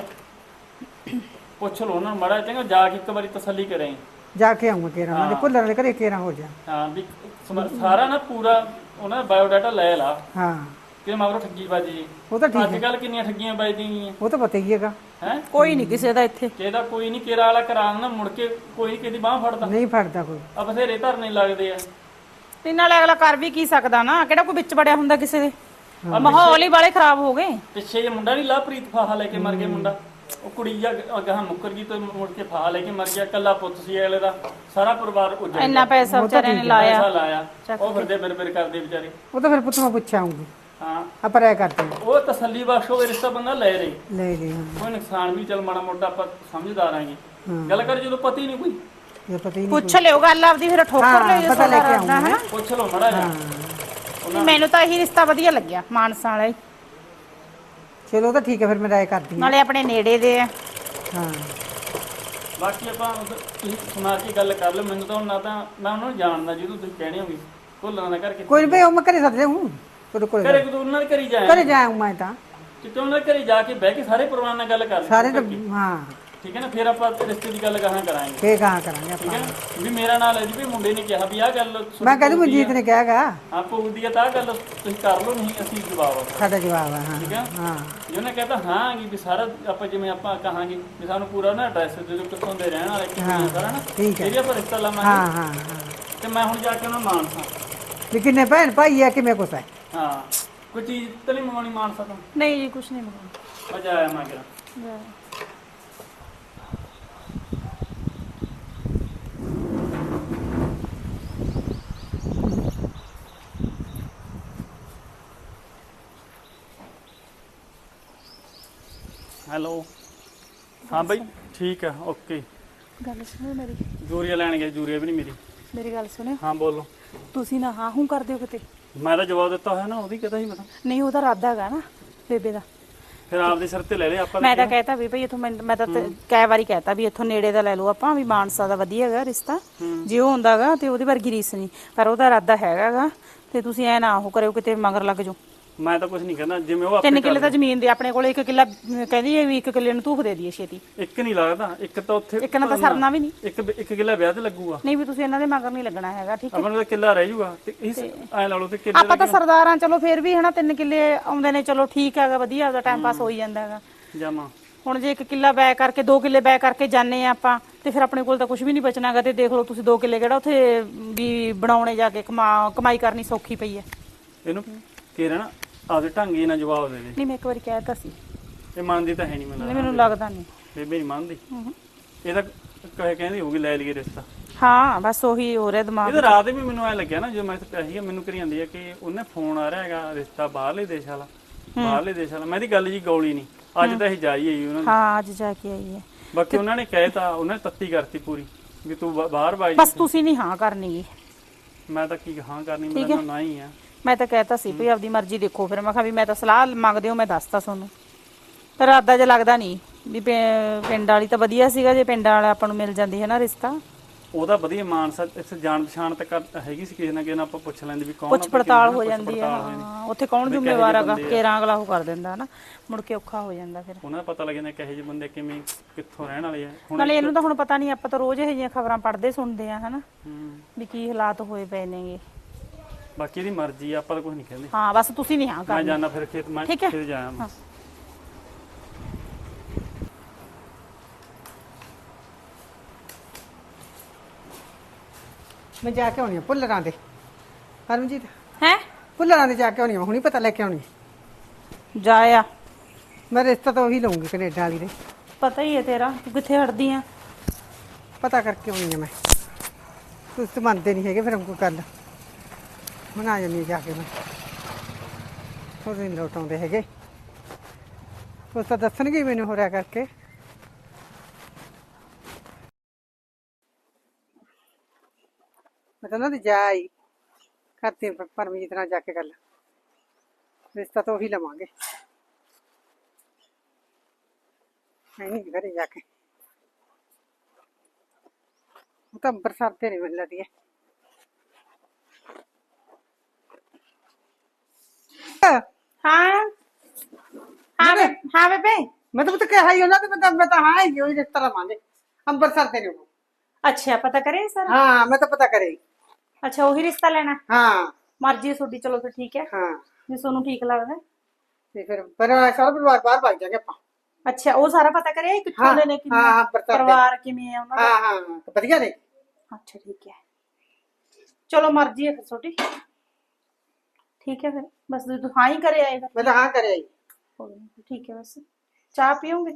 ਪੁੱਛ ਲਓ ਉਹਨਾਂ ਨੂੰ ਮਾੜਾ ਚੰਗਾ, ਜਾ ਕੇ ਇੱਕ ਵਾਰੀ ਤਸੱਲੀ ਕਰੇ। ਜਾ ਕੇ ਆਉਂਗਾ ਕੇਰਾ ਮੈਂ ਭੁੱਲਣ ਦੇ ਘਰੇ ਕੇਰਾ ਹੋ ਜਾ। ਹਾਂ ਵੀ ਸਾਰਾ ਨਾ ਪੂਰਾ ਉਹਨਾਂ ਦਾ ਬਾਇਓਡਾਟਾ ਲੈ ਲਾ ਹਾਂ ਕਿ ਮਗਰੋਂ ਠੱਗੀ ਵੱਜ ਜੀ। ਉਹ ਤਾਂ ਠੀਕ ਅੱਜ ਕੱਲ ਕਿੰਨੀਆਂ ਠੱਗੀਆਂ ਵੱਜਦੀਆਂ ਗਈਆਂ ਉਹ ਤਾਂ ਪਤਾ ਹੀ ਹੈਗਾ ਹੈ। ਕੋਈ ਨਹੀਂ ਕਿਸੇ ਦਾ ਇੱਥੇ, ਕਿਹਦਾ ਕੋਈ ਨਹੀਂ, ਕੇਰਾ ਵਾਲਾ ਕਰਾ ਨਾ ਮੁੜ ਕੇ ਕੋਈ ਕਿਸੇ ਦੀ ਬਾਹ ਫੜਦਾ। ਨਹੀਂ ਫੜਦਾ ਕੋਈ ਆ ਬਥੇਰੇ ਧਰਨੇ ਲੱਗਦੇ ਆ। ਤੇ ਨਾਲੇ ਅਗਲਾ ਕਰ ਵੀ ਕੀ ਸਕਦਾ ਨਾ, ਕਿਹੜਾ ਕੋਈ ਵਿੱਚ ਵੜਿਆ ਹੁੰਦਾ ਕਿਸੇ ਦੇ। ਮਾਹੌਲ ਹੀ ਵਾਲੇ ਖਰਾਬ ਹੋ ਗਏ। ਪਿੱਛੇ ਜੇ ਮੁੰਡਾ ਨਹੀਂ ਲਾਪ੍ਰੀਤ ਫਾਹਾ ਲੈ ਕੇ ਮਰ ਗਿਆ ਮੁੰਡਾ, ਉਹ ਕੁੜੀ ਜਾ ਅਗਾਹ ਮੁੱਕਰ ਗਈ ਤੇ ਮੁੜ ਕੇ ਫਾਹਾ ਲੈ ਕੇ ਮਰ ਗਿਆ। ਕੱਲਾ ਪੁੱਤ ਸੀ ਅਗਲੇ ਦਾ, ਸਾਰਾ ਪਰਿਵਾਰ ਉੱਜੜ ਗਿਆ। ਇੰਨਾ ਪੈਸਾ ਵਿਚਾਰਿਆਂ ਨੇ ਲਾਇਆ। ਪੈਸਾ ਲਾਇਆ, ਉਹ ਫਿਰਦੇ ਬਿਰ ਕਰਦੇ ਵਿਚਾਰੇ। ਉਹ ਤਾਂ ਫਿਰ ਪੁੱਤ ਮੈਂ ਪੁੱਛ ਆਉਂਗੀ ਹਾਂ ਆਪਾਂ ਰਾਇ ਕਰਦੇ ਉਹ ਤਸੱਲੀ ਬਖਸ਼ ਹੋਵੇ ਰਿਸ਼ਤਾ ਬੰਦਾ ਲੈ ਰਹੀ, ਲੈ ਲਈ ਹਾਂ ਕੋਈ ਨੁਕਸਾਨ ਵੀ ਚੱਲ ਮਾੜਾ ਮੋਟਾ ਆਪਾਂ ਸਮਝਦਾਰ ਆਂਗੇ। ਗੱਲ ਕਰ ਜਦੋਂ ਪਤਾ ਹੀ ਨਹੀਂ ਕੋਈ, ਇਹ ਪਤਾ ਹੀ ਨਹੀਂ ਪੁੱਛ ਲਿਓ ਗੱਲ ਆਪਦੀ, ਫਿਰ ਠੋਕਰ ਲਿਓ ਜੇ ਪਤਾ ਲੈ ਕੇ ਸਾਡਾ ਆਉਂਗਾ ਹਨਾ। ਪੁੱਛ ਲਓ ਮਾੜਾ ਜਿਹਾ। ਨਹੀਂ, ਮੈਨੂੰ ਤਾਂ ਇਹੀ ਰਿਸ਼ਤਾ ਵਧੀਆ ਲੱਗਿਆ ਮਾਨਸਾ ਵਾਲਾ ਹੀ, ਚਲੋ ਉਹ ਤਾਂ ਠੀਕ ਹੈ ਫਿਰ ਮੈਂ ਰਾਇ ਕਰਦੀ ਹਾਂ ਨਾਲੇ ਆਪਣੇ ਨੇੜੇ ਦੇ ਆ। ਹਾਂ ਬਾਕੀ ਆਪਾਂ ਤੁਸੀਂ ਸੁਣਾ ਕੇ ਗੱਲ ਕਰ ਲਓ। ਮੈਨੂੰ ਤਾਂ ਹੁਣ ਨਾ ਤਾਂ ਮੈਂ ਉਹਨਾਂ ਨੂੰ ਜਾਣਦਾ ਜਿਹਨੂੰ ਤੁਸੀਂ ਕਹਿਣੇ ਹੋਗੇ ਭੁੱਲਣਾ ਦਾ ਕਰਕੇ। ਕੋਈ ਨਹੀਂ ਭਾਈ ਉਹ ਮੈਂ ਘਰੇ ਸੱਦ ਲਿਆਉਂ ਤੁਹਾਡੇ ਕੋਲ ਘਰੇ ਕੋਈ ਉਹਨਾਂ ਦੇ ਘਰੀ ਜਾਇਆ ਘਰੇ ਜਾਊਂ ਮੈਂ ਤਾਂ ਕਿਤੇ ਉਹਨਾਂ ਦੇ ਘਰੇ ਜਾ ਕੇ ਬਹਿ ਕੇ ਸਾਰੇ ਪਰਿਵਾਰ ਨਾਲ ਗੱਲ ਕਰ ਲਈ ਸਾਰੇ ਤਾਂ ਹਾਂ ਠੀਕ ਹੈ ਨਾ। ਫਿਰ ਆਪਾਂ ਰਿਸ਼ਤੇ ਦੀ ਗੱਲ ਕਹਾਂ ਕਰਾਂਗੇ, ਫੇਰ ਕਹਾਂ ਕਰਾਂਗੇ ਠੀਕ ਆਪਾਂ ਹੈ ਨਾ। ਵੀ ਮੇਰਾ ਨਾਲ ਹੈ ਜੀ ਵੀ ਮੁੰਡੇ ਨੇ ਕਿਹਾ ਵੀ ਆਹ ਗੱਲ ਮੈਂ ਕਹਿੰਦੀ ਮਨਜੀਤ ਨੇ ਕਿਹਾਗਾ ਹਾਂ ਪਊਦੀ ਆ ਤਾਂ ਆਹ ਗੱਲ ਤੁਸੀਂ ਕਰ ਲਓ, ਨਹੀਂ ਅਸੀਂ ਜਵਾਬ ਆ ਸਾਡਾ ਜਵਾਬ ਹੈ ਹਾਂ ਠੀਕ ਹੈ। ਹਾਂ ਜੇ ਉਹਨੇ ਕਹਤਾ ਹਾਂ ਵੀ ਸਾਰਾ ਆਪਾਂ ਜਿਵੇਂ ਆਪਾਂ ਕਹਾਂਗੇ ਵੀ ਸਾਨੂੰ ਪੂਰਾ ਨਾ ਐਡਰੈਸ ਦੇ ਦਿਓ ਕਿੱਥੋਂ ਦੇ ਰਹਿਣ ਵਾਲੇ ਕਿੱਥੇ ਆ ਸਾਰਾ ਨਾ, ਠੀਕ ਹੈ। ਫਿਰ ਆਪਾਂ ਰਿਸ਼ਤਾ ਲਾਵਾਂਗੇ। ਹਾਂ ਹਾਂ ਹਾਂ ਤੇ ਮੈਂ ਹੁਣ ਜਾ ਕੇ ਉਹਨਾਂ ਨੂੰ ਮਾਨਸਾ ਵੀ ਕਿੰਨੇ ਭੈਣ ਭਾਈ ਹੈ ਕਿਵੇਂ ਕੁਛ ਹੈ ਹਾਂ ਕੋਈ ਚੀਜ਼ ਤਾਂ ਨਹੀਂ ਮੰਗਵਾਉਣੀ ਮਾਨਸਾ ਤੋਂ? ਨਹੀਂ ਜੀ ਕੁਛ ਨਹੀਂ ਮੰਗਾਉਣਾ। ਮਜ਼ਾ ਆਇਆ ਮੈਂ ਕਿਹਾ। ਹੈਲੋ ਹਾਂ ਬਈ ਠੀਕ ਹੈ ਓਕੇ। ਗੱਲ ਸੁਣੋ ਜੂਰੀਆ ਲੈਣ ਗਏ, ਜੂਰੀਆ ਵੀ ਨਹੀਂ ਮਿਲੀ। ਮੇਰੀ ਗੱਲ ਸੁਣਿਓ, ਹਾਂ ਬੋਲੋ। ਤੁਸੀਂ ਨਾ ਹਾਂ ਹੂੰ ਕਰ ਦਿਓ ਕਿਤੇ। ਮੈਂ ਤਾਂ ਜਵਾਬ ਦਿੱਤਾ ਹੋਇਆ ਨਾ, ਉਹਦੀ ਕਹਤਾ ਸੀ ਮੈਂ ਤਾਂ। ਨਹੀਂ ਉਹਦਾ ਇਰਾਦਾ ਹੈਗਾ ਨਾ ਬੇਬੇ ਦਾ। ਫਿਰ ਆਪਦੇ ਸਿਰ ਤੇ ਲੈ ਲਿਆ ਆਪਾਂ ਮੈਂ ਤਾਂ ਕਹਿਤਾ ਵੀ ਭਈ ਇਥੋਂ ਮੈਂ ਤਾਂ ਕਈ ਵਾਰੀ ਕਹਿਤਾ ਵੀ ਇੱਥੋਂ ਨੇੜੇ ਦਾ ਲੈ ਲਓ ਆਪਾਂ, ਵੀ ਮਾਨਸਾ ਦਾ ਵਧੀਆ ਹੈਗਾ ਰਿਸ਼ਤਾ, ਜੇ ਉਹ ਹੁੰਦਾਗਾ ਤੇ ਉਹਦੀ ਵਰਗੀ ਰੀਸ ਨਹੀਂ, ਪਰ ਉਹਦਾ ਇਰਾਦਾ ਹੈਗਾਗਾ ਤੇ ਤੁਸੀਂ ਐ ਨਾ ਉਹ ਕਰਿਓ ਕਿਤੇ ਮਗਰ ਲੱਗ ਜਾਓ। ਮੈਂ ਤਾਂ ਕੁਝ ਨਹੀਂ ਕਹਿੰਦਾ, ਜਿਵੇਂ ਉਹ ਆਪੇ 3 ਕਿੱਲੇ ਤਾਂ ਜ਼ਮੀਨ ਦੇ ਆਪਣੇ ਕੋਲ, 1 ਕਿੱਲਾ ਕਹਿੰਦੀ ਹੈ ਵੀ 1 ਕਿੱਲੇ ਨੂੰ ਧੂਫ ਦੇ ਦਈਏ ਛੇਤੀ। ਇੱਕ ਨਹੀਂ ਲੱਗਦਾ, ਇੱਕ ਤਾਂ ਉੱਥੇ ਇੱਕ ਨਾਲ ਤਾਂ ਸਰਨਾ ਵੀ ਨਹੀਂ। ਇੱਕ ਕਿੱਲਾ ਵਿਆਹ ਤੇ ਲੱਗੂਗਾ। ਨਹੀਂ ਵੀ ਤੁਸੀਂ ਇਹਨਾਂ ਦੇ ਮਗਰ ਨਹੀਂ ਲੱਗਣਾ ਹੈਗਾ, ਠੀਕ ਹੈ। ਆਪਾਂ ਨੂੰ ਤਾਂ ਕਿੱਲਾ ਰਹਿ ਜਾਊਗਾ ਤੇ ਇਸ ਐ ਲਾ ਲਓ ਤੇ ਕਿੱਲੇ ਆਪਾਂ ਤਾਂ ਸਰਦਾਰਾਂ ਚਲੋ ਫਿਰ ਵੀ ਹਨਾ 3 ਕਿੱਲੇ ਆਉਂਦੇ ਨੇ, ਚਲੋ ਠੀਕ ਹੈਗਾ, ਵਧੀਆ ਉਹਦਾ ਟਾਈਮ ਪਾਸ ਹੋ ਹੀ ਜਾਂਦਾ ਹੈਗਾ। ਜਾਮਾ ਹੁਣ ਜੇ 1 ਕਿੱਲਾ ਬੈ ਕਰਕੇ 2 ਕਿੱਲੇ ਬੈ ਕਰਕੇ ਜਾਂਦੇ ਆ ਆਪਾਂ, ਤੇ ਫਿਰ ਆਪਣੇ ਕੋਲ ਤਾਂ ਕੁਝ ਵੀ ਨਹੀਂ ਬਚਣਾਗਾ। ਤੇ ਦੇਖ ਲਓ ਤੁਸੀਂ 2 ਕਿੱਲੇ ਕਿਹੜਾ ਉੱਥੇ ਵੀ ਬਣਾਉਣੇ ਜਾ ਕੇ ਕਮਾਈ ਕਰਨੀ ਸੌਖੀ ਪਈ ਹੈ। ਇਹਨੂੰ ਕਿਹੜਾ ਨਾ ਆਪਦੇ ਢੰਗੇ ਨਾਲ ਜਵਾਬ ਦੇ ਦੇ। ਨਹੀਂ ਮੈਂ ਇੱਕ ਵਾਰੀ ਕਹਿਤਾ ਸੀ, ਇਹ ਮੰਨਦੀ ਤਾਂ ਹੈ ਨਹੀਂ ਮੈਨੂੰ ਲੱਗਦਾ ਨਹੀਂ ਬੇਬੇ ਨਹੀਂ ਮੰਨਦੀ। ਇਹ ਤਾਂ ਕਹਿੰਦੀ ਹੋਊਗੀ ਲੈ ਲਈਏ ਰਿਸ਼ਤਾ। ਹਾਂ ਬਸ ਉਹੀ ਹੋ ਰਿਹਾ ਦਿਮਾਗ। ਇਹਦਾ ਰਾਤ ਵੀ ਮੈਨੂੰ ਐ ਲੱਗਿਆ ਨਾ, ਜਦੋਂ ਮੈਂ ਪਿਆ ਸੀਗਾ ਮੈਨੂੰ ਕਰੀ ਜਾਂਦੀ ਆ ਕਿ ਉਹਨੇ ਫੋਨ ਆ ਰਿਹਾ ਹੈਗਾ ਰਿਸ਼ਤਾ ਬਾਹਰਲੇ ਦੇਸ਼ ਵਾਲਾ, ਬਾਹਰਲੇ ਦੇਸ਼ ਵਾਲਾ। ਮੈਂ ਇਹਦੀ ਗੱਲ ਜੀ ਗੌਲੀ ਨਹੀਂ, ਅੱਜ ਤਾਂ ਇਹ ਜਾਈ ਆਈ ਉਹਨਾਂ ਦੀ। ਹਾਂ ਅੱਜ ਜਾ ਕੇ ਆਈ ਹੈ। ਬਾਕੀ ਉਹਨਾਂ ਨੇ ਕਹਿਤਾ, ਉਹਨਾਂ ਨੇ ਤੱਤੀ ਕਰਤੀ ਪੂਰੀ ਵੀ ਤੂੰ ਬਾਹਰ ਬਾਈ। ਬਸ ਤੁਸੀਂ ਨਹੀਂ ਹਾਂ ਕਰਨੀ। ਮੈਂ ਤਾਂ ਕੀ ਹਾਂ ਕਰਨੀ, ਮੇਰਾ ਨਾ ਹੀ ਆ। ਮੈਂ ਤਾਂ ਕਹਿਤਾ ਸੀ ਵੀ ਆਪਦੀ ਮਰਜ਼ੀ ਦੇਖੋ। ਫਿਰ ਮੈਂ ਕਿਹਾ ਵੀ ਮੈਂ ਤਾਂ ਸਲਾਹ ਮੰਗਦੇ ਹੋ, ਮੈਂ ਦੱਸਤਾ ਤੁਹਾਨੂੰ। ਪਰ ਇਰਾਦਾ ਜੇ ਲੱਗਦਾ ਨਹੀਂ ਵੀ ਪਿੰਡ ਵਾਲੀ ਤਾਂ ਵਧੀਆ ਸੀਗਾ, ਜੇ ਪਿੰਡ ਵਾਲਾ ਆਪਾਂ ਨੂੰ ਮਿਲ ਜਾਂਦੀ ਹੈ ਨਾ ਰਿਸ਼ਤਾ। ਉਹਦਾ ਵਧੀਆ ਮਾਨਸਾ ਇੱਥੇ ਜਾਣ ਪਛਾਣ ਤੱਕ ਹੈਗੀ ਸੀ, ਕਿਸੇ ਨਾ ਕਿਸੇ ਨਾਲ ਆਪਾਂ ਪੁੱਛ ਲੈਂਦੇ ਵੀ ਕੌਣ। ਪੁੱਛ ਪੜਤਾਲ ਹੋ ਜਾਂਦੀ ਹੈ। ਉੱਥੇ ਕੌਣ ਜ਼ਿੰਮੇਵਾਰ ਹੈਗਾ, ਕੇਰਾਂ ਅਗਲਾ ਉਹ ਕਰ ਦਿੰਦਾ ਨਾ, ਮੁੜ ਕੇ ਔਖਾ ਹੋ ਜਾਂਦਾ ਫਿਰ। ਉਹਨਾਂ ਦਾ ਪਤਾ ਲੱਗ ਜਾਂਦਾ ਕਿਹੋ ਜਿਹੇ ਬੰਦੇ ਕਿਵੇਂ ਕਿੱਥੋਂ ਰਹਿਣ ਵਾਲੇ ਆ। ਨਾਲੇ ਇਹਨੂੰ ਤਾਂ ਹੁਣ ਪਤਾ ਨਹੀਂ, ਆਪਾਂ ਤਾਂ ਰੋਜ਼ ਇਹੋ ਜਿਹੀਆਂ ਖਬਰਾਂ ਪੜ੍ਹਦੇ ਸੁਣਦੇ ਆ ਹਨਾ, ਵੀ ਕੀ ਹਾਲਾਤ ਹੋਏ ਪਏ ਨੇਗੇ। ਬਾਕੀ ਇਹਦੀ ਮਰਜ਼ੀ ਆ, ਆਪਾਂ ਤਾਂ ਕੁਝ ਨਹੀਂ ਕਹਿੰਦੇ। ਹਾਂ ਬਸ ਤੁਸੀਂ ਨਹੀਂ ਹਾਂ ਮੈਂ ਕਰਨੀ। ਜਾਣਾ ਫਿਰ ਖੇਤ, ਮੈਂ ਖੇਤ ਜਾਇਆ ਮੈਂ। ਮੈਂ ਜਾ ਕੇ ਆਉਣੀ ਆ ਭੁੱਲਰਾਂ ਦੇ। ਪਰਮਜੀਤ ਹੈ ਭੁੱਲਰਾਂ ਦੇ ਜਾ ਕੇ ਆਉਣੀ ਆ, ਹੁਣੀ ਪਤਾ ਲੈ ਕੇ ਆਉਣੀ ਆ। ਜਾਇਆ ਮੈਂ ਰਿਸ਼ਤਾ ਤਾਂ ਉਹੀ ਲਊਂਗੀ ਕੈਨੇਡਾ ਵਾਲੀ ਦੇ। ਪਤਾ ਹੀ ਹੈ ਤੇਰਾ, ਤੂੰ ਕਿੱਥੇ ਹਟਦੀ ਆ। ਪਤਾ ਕਰਕੇ ਆਉਣੀ ਆ ਮੈਂ। ਤੁਸੀਂ ਤਾਂ ਮੰਨਦੇ ਨਹੀਂ ਹੈਗੇ, ਫਿਰ ਕੋਈ ਗੱਲ ਬਣਾ ਜਾਂਦੀ ਜਾ ਕੇ ਮੈਂ। ਥੋੜੇ ਦਿਨ ਲੋਟ ਆਉਂਦੇ ਹੈਗੇ, ਉਸ ਤਾਂ ਦੱਸਣਗੇ ਮੈਨੂੰ ਹੋ ਰਿਹਾ ਕਰਕੇ। ਮੈਂ ਤਾਂ ਉਹਨਾਂ ਦੀ ਜਾ ਆਈ ਕਰਤੀ ਪਰਮਜੀਤ ਨਾਲ ਜਾ ਕੇ ਗੱਲ। ਰਿਸ਼ਤਾ ਤਾਂ ਉਹੀ ਲਵਾਂਗੇ, ਹੈ ਨਹੀਂ ਘਰੇ ਜਾ ਕੇ। ਉਹ ਤਾਂ ਅੰਬਰਸਰ ਤੇ ਨਹੀਂ ਮਿਲ ਰਹੀ ਹੈ। ਹਾਂ ਹਾਂ ਹਾਂ ਬੇਬੇ। ਮੈਂ ਤਾਂ ਕਿਹਾ ਹੀ ਉਹਨਾਂ ਤੇ, ਮੈਂ ਤਾਂ ਹਾਂ ਹੀ ਉਹੀ ਰਿਸ਼ਤਾ ਲਵਾਂਗੇ ਅੰਬਰਸਰ ਤੇ ਨਹੀਂ। ਅੱਛਾ ਪਤਾ ਕਰੇ ਸਰ। ਹਾਂ ਮੈਂ ਤਾਂ ਪਤਾ ਕਰੇ। ਅੱਛਾ ਉਹੀ ਰਿਸ਼ਤਾ ਲੈਣਾ। ਹਾਂ ਮਰਜ਼ੀ ਹੈ ਤੁਹਾਡੀ, ਚਲੋ ਫਿਰ ਠੀਕ ਹੈ। ਹਾਂ ਜੇ ਤੁਹਾਨੂੰ ਠੀਕ ਲੱਗਦਾ ਤੇ ਫਿਰ ਸਾਰਾ ਪਰਿਵਾਰ ਬਾਹਰ ਭੱਜ ਜਾਗੇ ਆਪਾਂ। ਅੱਛਾ ਉਹ ਸਾਰਾ ਪਤਾ ਕਰਿਆ ਕਿੱਥੋਂ ਦੇ ਨੇ, ਹਾਂ ਪਰਿਵਾਰ ਕਿਵੇਂ ਹੈ ਉਹਨਾਂ ਦਾ। ਹਾਂ ਹਾਂ ਵਧੀਆ ਨੇ। ਅੱਛਾ ਠੀਕ ਹੈ, ਚਲੋ ਮਰਜ਼ੀ ਹੈ ਫਿਰ ਤੁਹਾਡੀ। ਠੀਕ ਹੈ ਫਿਰ ਬਸ ਤੂੰ ਹਾਂ ਹੀ ਕਰੇ ਆਏਗਾ। ਮੈਂ ਤਾਂ ਹਾਂ ਕਰਿਆ ਜੀ। ਠੀਕ ਹੈ ਬਸ ਚਾਹ ਪੀਓਗੇ?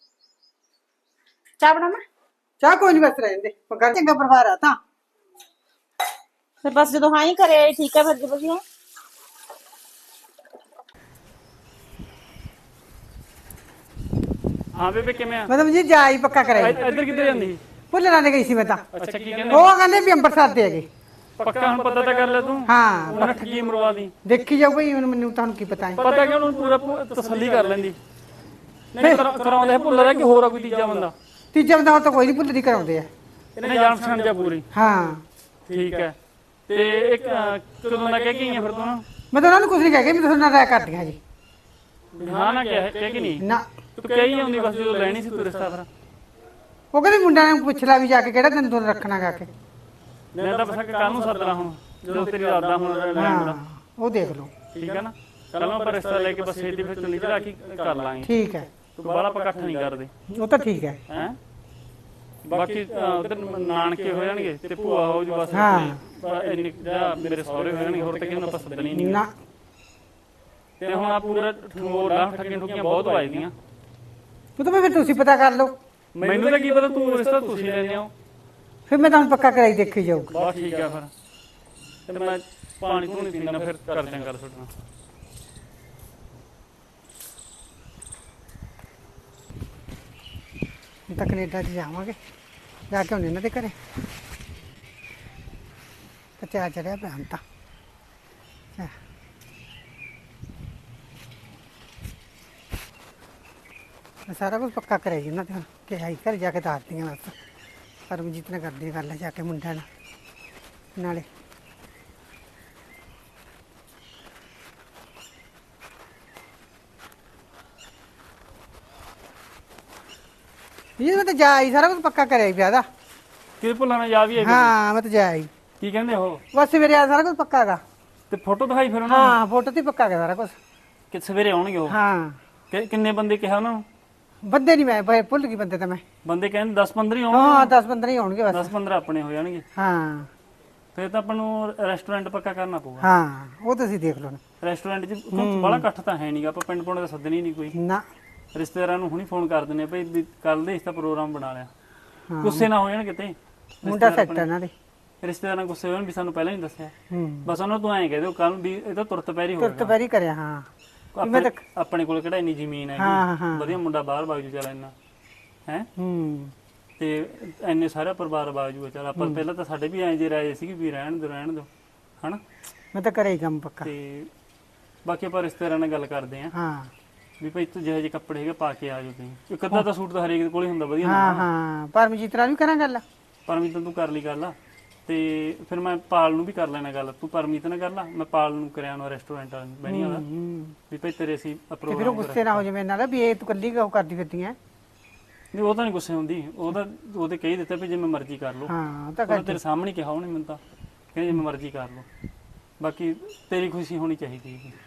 ਚਾਹ ਬਣਾਵਾਂ? ਚਾਹ ਕੋਈ ਨਹੀਂ, ਬਸ ਰਹਿੰਦੇ ਗੱਲ ਚੰਗਾ ਪਰਿਵਾਰ ਆ ਤਾਂ। ਫਿਰ ਬਸ ਜਦੋਂ ਹਾਂ ਹੀ ਕਰੇ ਆਏ ਠੀਕ ਹੈ ਫਿਰ ਜੀ ਵਧੀਆ। ਹਾਂ ਬੇਬੇ ਕਿਵੇਂ ਆ? ਮਤਲਬ ਜੀ ਜਾ ਹੀ ਪੱਕਾ ਕਰਾਈ। ਇੱਧਰ ਕਿੱਧਰ ਜਾਂਦੀ? ਭੁੱਲਰਾਂ ਦੇ ਗਈ ਸੀ ਮੈਂ ਤਾਂ। ਅੱਛਾ ਕੀ ਕਹਿੰਦੇ? ਉਹ ਕਹਿੰਦੇ ਵੀ ਅੰਬਰਸਰ ਦੇ ਹੈਗੇ। ਪੱਕਾ ਹੁਣ ਪਤਾ ਤਾਂ ਕਰ ਲੈ ਤੂੰ। ਹਾਂ ਉਹਨਾਂ ਠੱਗੀ ਮਰਵਾ ਦੀ। ਦੇਖੀ ਜਾਓ ਬਈ, ਹੁਣ ਮੈਨੂੰ ਤੁਹਾਨੂੰ ਕੀ ਪਤਾ ਹੈ। ਪਤਾ ਕਿ ਉਹਨੂੰ ਪੂਰਾ ਤਸੱਲੀ ਕਰ ਲੈਂਦੀ। ਨਹੀਂ ਕਰਾਉਂਦੇ ਭੁੱਲਦਾ ਕਿ ਹੋਰ ਆ ਕੋਈ ਤੀਜਾ ਬੰਦਾ? ਤੀਜਾ ਬੰਦਾ ਤਾਂ ਕੋਈ ਨਹੀਂ, ਭੁੱਲਰੀ ਕਰਾਉਂਦੇ ਆ। ਇਹਨੇ ਜਾਣ ਪਛਾਣ ਜਾ ਪੂਰੀ। ਹਾਂ ਠੀਕ ਹੈ। ਤੇ ਇੱਕ ਕਦੋਂ ਦਾ ਕਹਿ ਕੇ ਆਈ ਫਿਰ ਤੂੰ? ਮੈਂ ਤਾਂ ਉਹਨਾਂ ਨੂੰ ਕੁਝ ਨਹੀਂ ਕਹਿ ਕੇ, ਮੈਂ ਤੁਹਾਡੇ ਨਾਲ ਰਾਇ ਕਰਦੀਆਂ ਜੀ। ਹਾਂ ਨਾ ਕਹਿ ਕੇ ਨਹੀਂ ਨਾ ਤੂੰ ਕਹੀ ਆਉਂਦੀ ਬਸ, ਜਦੋਂ ਲੈਣੀ ਸੀ ਤੂੰ ਰਿਸ਼ਤਾ ਫਿਰ। ਉਹ ਕਹਿੰਦੇ ਮੁੰਡਿਆਂ ਨੂੰ ਪੁੱਛ ਲੈ ਵੀ ਜਾ ਕੇ ਕਿਹੜਾ ਦਿਨ ਤੋਂ ਰੱਖਣਾ ਗਾ ਕੇ। ਮੈਂ ਤਾਂ ਬਸ ਕੱਲ ਨੂੰ ਸੱਦਣਾ ਹੁਣ, ਜਦੋਂ ਤੇਰੀ ਰਾਦਾ ਹੁਣ ਲੈਣ ਦਾ। ਉਹ ਦੇਖ ਲਓ। ਠੀਕ ਹੈ ਨਾ, ਕੱਲ ਨੂੰ ਆਪਾਂ ਰਿਸ਼ਤਾ ਲੈ ਕੇ ਬਸ ਛੇਤੀ ਫਿਰ ਚੁੰਨੀ ਚੜਾ ਕੇ ਕਰ ਲਾਂਗੇ। ਠੀਕ ਹੈ, ਤੂੰ ਬਾਹਲਾ ਆਪਾਂ ਇਕੱਠ ਨਹੀਂ ਕਰਦੇ ਉਹ ਤਾਂ ਠੀਕ ਹੈ। ਹੈ। ਬਾਕੀ ਉਧਰ ਨਾਨਕੇ ਹੋ ਜਾਣਗੇ ਤੇ ਭੂਆ ਹੋ ਜੂ ਬਸ। ਇੰਨੀ ਮੇਰੇ ਸਹੁਰੇ ਹੋ ਜਾਣਗੇ, ਹੋਰ ਤਾਂ ਕਿਹਨੂੰ ਆਪਾਂ ਸੱਦਣੀ ਨਹੀਂ। ਨਾ ਤੇ ਹੁਣ ਆ ਪੂਰਾ ਠੋਰ ਲਾ, ਠੱਗੀਆਂ ਠੁਕੀਆਂ ਬਹੁਤ ਵੱਜਦੀਆਂ। ਉਹ ਤਾਂ ਫਿਰ ਤੁਸੀਂ ਪਤਾ ਕਰ ਲਓ। ਮੈਨੂੰ ਤਾਂ ਕੀ ਪਤਾ, ਤੂੰ ਰਿਸ਼ਤਾ ਤੁਸੀਂ ਲੈਣੇ ਹੋ। ਫਿਰ ਮੈਂ ਤੁਹਾਨੂੰ ਪੱਕਾ ਕਰਾਈ ਦੇਖੀ ਜਾਊਗਾ। ਬਸ ਠੀਕ ਆ ਫਿਰ। ਤੇ ਮੈਂ ਪਾਣੀ ਧੂਣੀ ਪੀਣਾ, ਫਿਰ ਕਰਦੇ ਆਂ ਗੱਲ ਤੁਹਾਡੇ ਨਾਲ। ਹੁਣ ਤਾਂ ਕੈਨੇਡਾ 'ਚ ਜਾਵਾਂਗੇ, ਜਾ ਕੇ ਆਉਂਦੇ ਇਹਨਾਂ ਦੇ ਘਰੇ। ਚਾਅ ਚੜਿਆ ਪਿਆ ਹੁਣ ਤਾਂ। ਮੈਂ ਸਾਰਾ ਕੁਝ ਪੱਕਾ ਕਰਿਆ ਜੀ ਉਹਨਾਂ ਤੇ, ਕਿਹਾ ਹੀ ਘਰ ਜਾ ਕੇ ਦੱਸਦੀਆਂ ਬਸ। ਪਰਮਜੀਤ ਨਾਲ ਕਰਦੀ ਗੱਲ ਜਾ ਕੇ ਮੁੰਡਿਆਂ ਨਾਲ ਨਾਲੇ। ਇਹ ਮੈਂ ਤਾਂ ਜਾ ਆਈ, ਸਾਰਾ ਕੁਝ ਪੱਕਾ ਕਰਿਆ ਹੀ ਵਿਆਹ ਦਾ। ਕਿ ਭੁੱਲਣਾ ਯਾਦ ਵੀ ਹੈ ਹਾਂ ਮੈਂ ਤਾਂ ਜਾ ਆਈ, ਕੀ ਕਹਿੰਦੇ ਉਹ ਬਸ ਮੇਰੇ ਆ ਸਾਰਾ ਕੁਝ ਪੱਕਾ ਹੈਗਾ। ਤੇ ਫੋਟੋ ਦਿਖਾਈ ਫਿਰ ਉਹਨਾਂ ਹਾਂ ਫੋਟੋ ਤੇ ਪੱਕਾ ਹੈਗਾ ਸਾਰਾ ਕੁਝ। ਕਿ ਸਵੇਰੇ ਆਉਣਗੇ ਉਹ? ਹਾਂ ਕਿੰਨੇ ਬੰਦੇ ਕਿਹਾ ਉਹਨਾਂ ਨੂੰ? ਬੰਦੇ ਨਹੀਂ, ਮੈਂ ਭੁੱਲ ਗਈ ਬੰਦੇ ਤਾਂ ਮੈਂ। ਬੰਦੇ ਕਹਿੰਦੇ 10-15 ਹੀ ਆਉਣਗੇ। ਹਾਂ 10-15 ਹੀ ਆਉਣਗੇ ਬਸ। 10-15 ਆਪਣੇ ਹੋ ਜਾਣਗੇ। ਹਾਂ ਫਿਰ ਤਾਂ ਆਪਾਂ ਨੂੰ ਰੈਸਟੋਰੈਂਟ ਪੱਕਾ ਕਰਨਾ ਪਊਗਾ। ਹਾਂ ਉਹ ਤੁਸੀਂ ਦੇਖ ਲਓ ਨਾ। ਰੈਸਟੋਰੈਂਟ 'ਚ ਬੜਾ ਇਕੱਠ ਤਾਂ ਹੈ ਨਹੀਂਗਾ, ਆਪਾਂ ਪਿੰਡ ਪੁੰਡ ਦਾ ਸੱਦਣੀ ਨਹੀਂ ਕੋਈ। ਨਾ ਰਿਸ਼ਤੇਦਾਰਾਂ ਨੂੰ ਹੁਣੀ ਫੋਨ ਕਰ ਦਿੰਦੇ ਆ ਭਾਈ ਵੀ ਕੱਲ ਦੇ ਇਸ ਦਾ ਪ੍ਰੋਗਰਾਮ ਬਣਾ ਲਿਆ। ਗੁੱਸੇ ਨਾ ਹੋ ਜਾਣ ਕਿਤੇ ਮੁੰਡਾ ਸੈੱਟ ਇਹਨਾਂ ਦੇ। ਰਿਸ਼ਤੇਦਾਰਾਂ ਗੁੱਸੇ ਹੋ ਜਾਣ ਵੀ ਸਾਨੂੰ ਪਹਿਲਾਂ ਨਹੀਂ ਦੱਸਿਆ। ਹੂੰ ਬਸ ਉਹਨਾਂ ਤੋਂ ਐਂ ਕਹਿ ਦਿਓ ਕੱਲ ਵੀ ਇਹ ਤਾਂ ਤੁਰਤ ਪੈਰੀ ਹੋ ਤੁਰਤ ਪੈਰੀ ਕਰਿਆ। ਹਾਂ ਆਪਣੇ ਕੋਲ ਕਿਹੜਾ ਇੰਨੀ ਜ਼ਮੀਨ ਹਾਂ, ਹੈਗੀ, ਹਾਂ। ਵਧੀਆ ਮੁੰਡਾ ਬਾਹਰ ਬਾਜੂ ਚੱਲ ਇੰਨਾ ਹੈ ਹੂੰ ਤੇ ਇੰਨੇ ਸਾਰਾ ਪਰਿਵਾਰ ਬਾਜੂ ਚੱਲ। ਆਪਾਂ ਪਹਿਲਾਂ ਤਾਂ ਸਾਡੇ ਵੀ ਐਂ ਜੇ ਰਾਏ ਸੀ ਵੀ ਰਹਿਣ ਦਿਓ ਹਨਾ। ਮੈਂ ਤਾਂ ਕਰਿਆ ਹੀ ਕੰਮ ਪੱਕਾ। ਤੇ ਬਾਕੀ ਆਪਾਂ ਰਿਸ਼ਤੇਦਾਰਾਂ ਨਾਲ ਗੱਲ ਕਰਦੇ ਆਂ ਹਾਂ ਵੀ ਭਾਈ ਤੂੰ ਜਿਹੇ ਜਿਹੇ ਕੱਪੜੇ ਹੈਗੇ ਪਾ ਕੇ ਆ ਜਾਓ ਤੁਸੀਂ। ਇੱਕ ਅੱਧਾ ਤਾਂ ਸੂਟ ਤਾਂ ਹਰੇਕ ਦੇ ਕੋਲ ਹੀ ਹੁੰਦਾ ਵਧੀਆ ਹਾਂ ਹਾਂ ਪਰਮਜੀਤ ਨਾਲ ਵੀ ਕਰਾਂ ਗੱਲ। ਪਰਮੀਤ ਤੂੰ ਕਰ ਲਈ ਗੱਲ ਆ ਤੇ ਫਿਰ ਮੈਂ ਪਾਲ ਨੂੰ ਵੀ ਕਰ ਲੈਣਾ ਗੱਲ। ਤੂੰ ਪਰਮੀਤ ਨਾਲ ਕਰ ਲਾ, ਮੈਂ ਪਾਲ ਨੂੰ ਕਰਿਆ ਨਾ ਰੈਸਟੋਰੈਂਟ ਵਾਲੇ ਨੂੰ ਬਣੀ ਵਾਲਾ ਵੀ ਭਾਈ ਤੇਰੇ ਅਸੀਂ ਤੇ ਫਿਰ ਉਹ ਪ੍ਰੋਗਰਾਮ ਗੁੱਸੇ ਨਾ ਹੋ ਜਾਵੇ ਇਹਨਾਂ ਦਾ ਵੀ ਇਹ ਤੂੰ ਕੱਲੀ ਉਹ ਕਰਦੀ ਫਿਰਦੀ ਐ। ਨਹੀਂ ਉਹ ਤਾਂ ਨਹੀਂ ਗੁੱਸੇ ਹੁੰਦੀ, ਉਹਦੇ ਕਹੀ ਦਿੱਤਾ ਵੀ ਜਿਵੇਂ ਮਰਜ਼ੀ ਕਰ ਲਓ। ਹਾਂ ਤਾਂ ਉਹਨੇ ਤੇਰੇ ਸਾਹਮਣੇ ਕਿਹਾ ਉਹਨੇ ਮੈਨੂੰ ਤਾਂ ਕਹਿੰਦੇ ਜਿਵੇਂ ਮਰਜ਼ੀ ਕਰ ਲਓ, ਬਾਕੀ ਤੇਰੀ ਖੁਸ਼ੀ ਹੋਣੀ ਚਾਹੀਦੀ ਹੈ।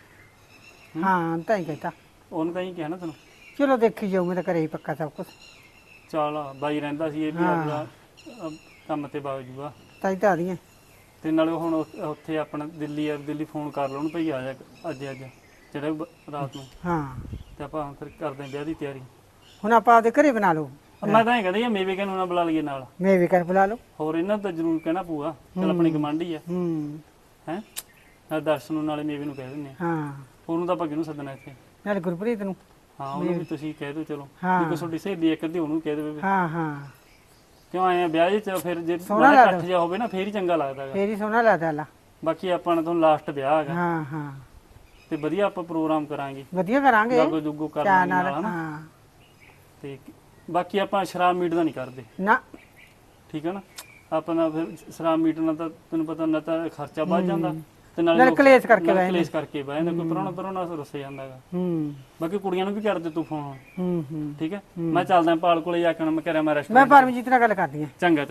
ਹਾਂ ਤਾਂ ਹੀ ਕਹਤਾ। ਉਹਨੇ ਤਾਂ ਹੀ ਕਿਹਾ ਨਾ ਤੈਨੂੰ। ਚਲੋ ਦੇਖੀ ਜਾਊ, ਮੈਂ ਤਾਂ ਕਰਿਆ ਹੀ ਪੱਕਾ ਸਭ ਕੁਝ। ਚੱਲ ਬਾਈ ਰਹਿੰਦਾ ਸੀ ਇਹ ਵੀ ਆਪਣਾ ਕੰਮ ਤੇ ਵਗ ਜੂਗਾ ਤਾਂ ਹੀ ਤਾਂ ਆ ਰਹੀਆਂ। ਤੇ ਨਾਲੇ ਹੁਣ ਉੱਥੇ ਆਪਣਾ ਦਿੱਲੀ ਫੋਨ ਕਰ ਲਓ ਉਹਨੂੰ ਭਈ ਆ ਜਾ ਅੱਜ ਜਿਹੜਾ ਰਾਤ ਨੂੰ। ਹਾਂ ਤੇ ਆਪਾਂ ਫਿਰ ਕਰਦੇ ਆਂ ਵਿਆਹ ਦੀ ਤਿਆਰੀ। ਹੁਣ ਆਪਾਂ ਆਪਦੇ ਘਰੇ ਬਣਾ ਲਓ। ਮੈਂ ਤਾਂ ਇਹ ਕਹਿੰਦਾ ਯਾਰ ਮੇਵੇ ਨੂੰ ਨਾ ਬੁਲਾ ਲਈਏ ਨਾਲ। ਮੈਂ ਵੀ ਕਰ ਬੁਲਾ ਲਓ। ਹੋਰ ਇਹਨਾਂ ਤਾਂ ਜ਼ਰੂਰ ਕਹਿਣਾ ਪਊਗਾ, ਚੱਲ ਆਪਣੀ ਗਵਾਂਢੀ ਆ ਹੂੰ ਹੈ। ਨਾਲ ਦਰਸ਼ਨ ਨੂੰ ਨਾਲੇ ਮੇਵੇ ਨੂੰ ਕਹਿ ਦਿੰਦੇ ਆ। ਹਾਂ ਉਹਨੂੰ ਤਾਂ ਆਪਾਂ ਕਿਹਨੂੰ ਸੱਦਣਾ ਇੱਥੇ। ਨਾਲ ਗੁਰਪ੍ਰੀਤ ਨੂੰ। ਹਾਂ ਉਹਨੂੰ ਵੀ ਤੁਸੀਂ ਕਹਿ ਦਿਓ ਚਲੋ। ਹਾਂ। ਜੇ ਕੋਈ ਤੁਹਾਡੀ ਸਹੇਲੀ ਇੱਕ ਅੱਧੀ ਉਹਨੂੰ ਕਹਿ ਦੇਵੇ। ਹਾਂ ਹਾਂ ਕਿਉਂ ਆਏ ਆ ਵਿਆਹ 'ਚ ਫਿਰ ਜੇ ਸੋਹਣਾ ਬੜਾ ਲੱਗਦਾ। ਇਕੱਠ ਜਿਹਾ ਹੋਵੇ ਨਾ ਫੇਰ ਹੀ ਚੰਗਾ ਲੱਗਦਾ ਹੈਗਾ। ਫੇਰ ਹੀ ਸੋਹਣਾ ਲੱਗਦਾ ਲਾ। ਬਾਕੀ ਆਪਾਂ ਨੇ ਤੁਹਾਨੂੰ ਲਾਸਟ ਵਿਆਹ ਹੈਗਾ ਹਾਂ ਹਾਂ ਤੇ ਵਧੀਆ ਆਪਾਂ ਪ੍ਰੋਗਰਾਮ ਕਰਾਂਗੇ, ਵਧੀਆ ਕਰਾਂਗੇ। ਜਾਗੋ ਜੁਗੋ ਕਰ ਚਾਹ ਲਾਂਗੇ ਨਾਲ ਨਾਲ ਹਨਾ। ਹਾਂ ਤੇ ਬਾਕੀ ਆਪਾਂ ਸ਼ਰਾਬ ਮੀਟ ਦਾ ਨਹੀਂ ਕਰਦੇ, ਨਾ ਠੀਕ ਹੈ ਨਾ। ਆਪਣਾ ਫਿਰ ਸ਼ਰਾਬ ਮੀਟ ਨਾਲ ਤਾਂ ਤੈਨੂੰ ਪਤਾ ਨਾ ਤਾਂ ਖਰਚਾ ਵੱਧ ਜਾਂਦਾ ਤੇ ਨਾਲੇ ਲੋਕ- ਕਲੇਸ਼ ਕਰਕੇ ਨਾਲੇ ਬਹਿ ਕਲੇਸ਼ ਕਰਕੇ ਬਹਿ ਜਾਂਦਾ। ਕੋਈ ਪਰੋਣਾ ਰੁੱਸ ਜਾਂਦਾ ਹੈਗਾ। ਹੂੰ ਬਾਕੀ ਕੁੜੀਆਂ ਨੂੰ ਵੀ ਕਰ ਦੇ ਤੂੰ ਫੋਨ, ਹੂੰ ਠੀਕ ਹੈ। ਮੈਂ ਚੱਲਦਾ ਪਾਲ ਕੋਲੇ ਜਾ ਕੇ ਹੁਣ ਮੈਂ ਕਰਿਆ ਮੈਂ ਮੈਂ ਰੈਸਟੋਰੈਂਟ। ਪਰਮਜੀਤ ਨਾਲ ਗੱਲ ਕਰਦੀ ਆ। ਚੰਗਾ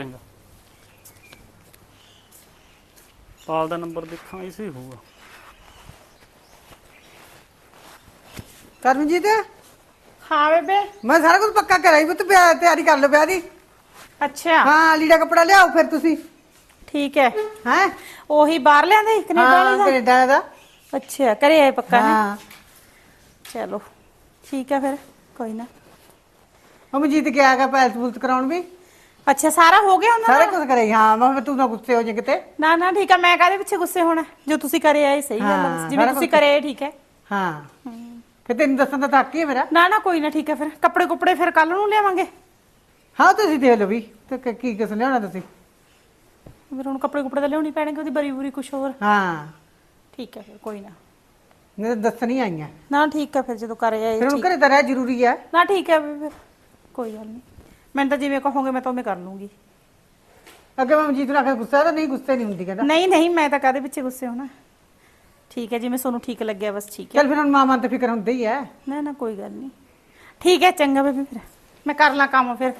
ਪਾਲ ਦਾ ਨੰਬਰ ਦੇਖਾਂ ਇਸੇ ਹੀ ਹੋਊਗਾ। ਪਰਮਜੀਤ ਹਾਂ ਬੇਬੇ। ਮੈਂ ਸਾਰਾ ਕੁਝ ਪੱਕਾ ਕਰਾਈ ਵੀ ਤੂੰ ਤਿਆਰੀ ਕਰ ਲਓ ਵਿਆਹ ਦੀ। ਅੱਛਾ ਹਾਂ ਲੀੜਾ ਕੱਪੜਾ ਲਿਆਓ ਫਿਰ ਤੁਸੀਂ। ਠੀਕ ਹੈ। ਹੈ ਉਹੀ ਬਾਹਰ ਲਿਆਂਦੇ ਕੈਨੇਡਾ ਹਾਂ ਵਾਲੇ ਦਾ? ਕੈਨੇਡਾ ਦਾ। ਅੱਛਾ ਘਰੇ ਆਏ ਪੱਕਾ ਹੈ। ਹਾਂ ਚਲੋ ਠੀਕ ਹੈ ਫਿਰ ਕੋਈ ਨਾ। ਪਰਮਜੀਤ ਗਿਆ ਹੈਗਾ ਪੈਲਸ ਪੁਲਸ ਕਰਾਉਣ ਵੀ। ਅੱਛਾ ਸਾਰਾ ਹੋ ਗਿਆ ਉਹਨਾਂ ਸਾਰਾ ਦਾ? ਕੁਝ ਕਰਾਈ। ਹਾਂ ਮੈਂ ਕਿਹਾ ਤੂੰ ਨਾ ਗੁੱਸੇ ਹੋ ਜੇ ਕਿਤੇ। ਨਾ ਨਾ ਠੀਕ ਹੈ, ਮੈਂ ਕਾਹਦੇ ਪਿੱਛੇ ਗੁੱਸੇ ਹੋਣਾ, ਜੋ ਤੁਸੀਂ ਕਰੇ ਆਏ ਸਹੀ ਗੱਲ ਹੈ। ਹਾਂ, ਜਿਵੇਂ ਸਾਰਾ ਤੁਸੀਂ ਕੁਛ- ਕਰੇ ਠੀਕ ਹੈ। ਹਾਂ ਫਿਰ ਤੈਨੂੰ ਦੱਸਣ ਦਾ ਤਾਂ ਹੱਕ ਹੀ ਹੈ ਮੇਰਾ। ਨਾ ਨਾ ਕੋਈ ਨਾ ਠੀਕ ਹੈ। ਫਿਰ ਕੱਪੜੇ ਕੁਪੜੇ ਫਿਰ ਕੱਲ ਨੂੰ ਲਿਆਵਾਂਗੇ। ਹਾਂ ਤੁਸੀਂ ਦੇਖ ਲਓ ਵੀ ਤੇ ਕੀ ਕਿਸ ਲਿਆਉਣਾ ਤੁਸੀਂ। ਫਿਰ ਹੁਣ ਕੱਪੜੇ ਕੁਪੜੇ ਤਾਂ ਲਿਆਉਣੀ ਪੈਣਗੇ, ਉਹਦੀ ਬਰੀ ਬੁਰੀ ਕੁਛ ਹੋਰ। ਹਾਂ ਠੀਕ ਹੈ ਫਿਰ ਕੋਈ ਨਾ। ਮੈਂ ਤਾਂ ਦੱਸਣੀ ਆਈਆਂ ਨਾ ਠੀਕ ਹੈ ਫਿਰ ਜਦੋਂ ਕਰੇ ਆਏ ਫਿਰ ਹੁਣ ਠੀਕ। ਘਰੇ ਤਾਂ ਰਹਿ ਜ਼ਰੂਰੀ ਹੈ। ਨਾ ਠੀਕ ਹੈ ਫਿਰ ਕੋਈ ਗੱਲ ਨਹੀਂ। ਮੈਂ ਤਾਂ ਜਿਵੇਂ ਕਹੋਗੇ ਮੈਂ ਤਾਂ ਉਵੇਂ ਕਰ ਲੂੰਗੀ। ਅੱਗੇ ਮੈਂ ਮਨਜੀਤ ਨੂੰ ਆਖਿਆ ਗੁੱਸਾ ਤਾਂ ਨਹੀਂ, ਗੁੱਸੇ ਨਹੀਂ ਹੁੰਦੀ ਕਹਿੰਦਾ। ਨਹੀਂ ਨਹੀਂ ਮੈਂ ਤਾਂ ਕਾਹਦੇ ਪਿੱਛੇ ਗੁੱਸੇ ਹੋਣਾ। ਠੀਕ ਹੈ ਜਿਵੇਂ ਤੁਹਾਨੂੰ ਠੀਕ ਲੱਗਿਆ ਬਸ ਠੀਕ ਹੈ। ਚੱਲ ਫਿਰ ਹੁਣ ਮਾਂ ਮਨ ਤੇ ਫਿਕਰ ਹੁੰਦੀ ਹੀ ਹੈ। ਨਾ ਨਾ ਕੋਈ ਗੱਲ ਨਹੀਂ। ਠੀਕ ਹੈ ਚੰਗਾ ਬੇਬੇ ਫਿਰ ਮੈਂ ਕਰ ਲਾਂ ਕੰਮ ਫਿਰ।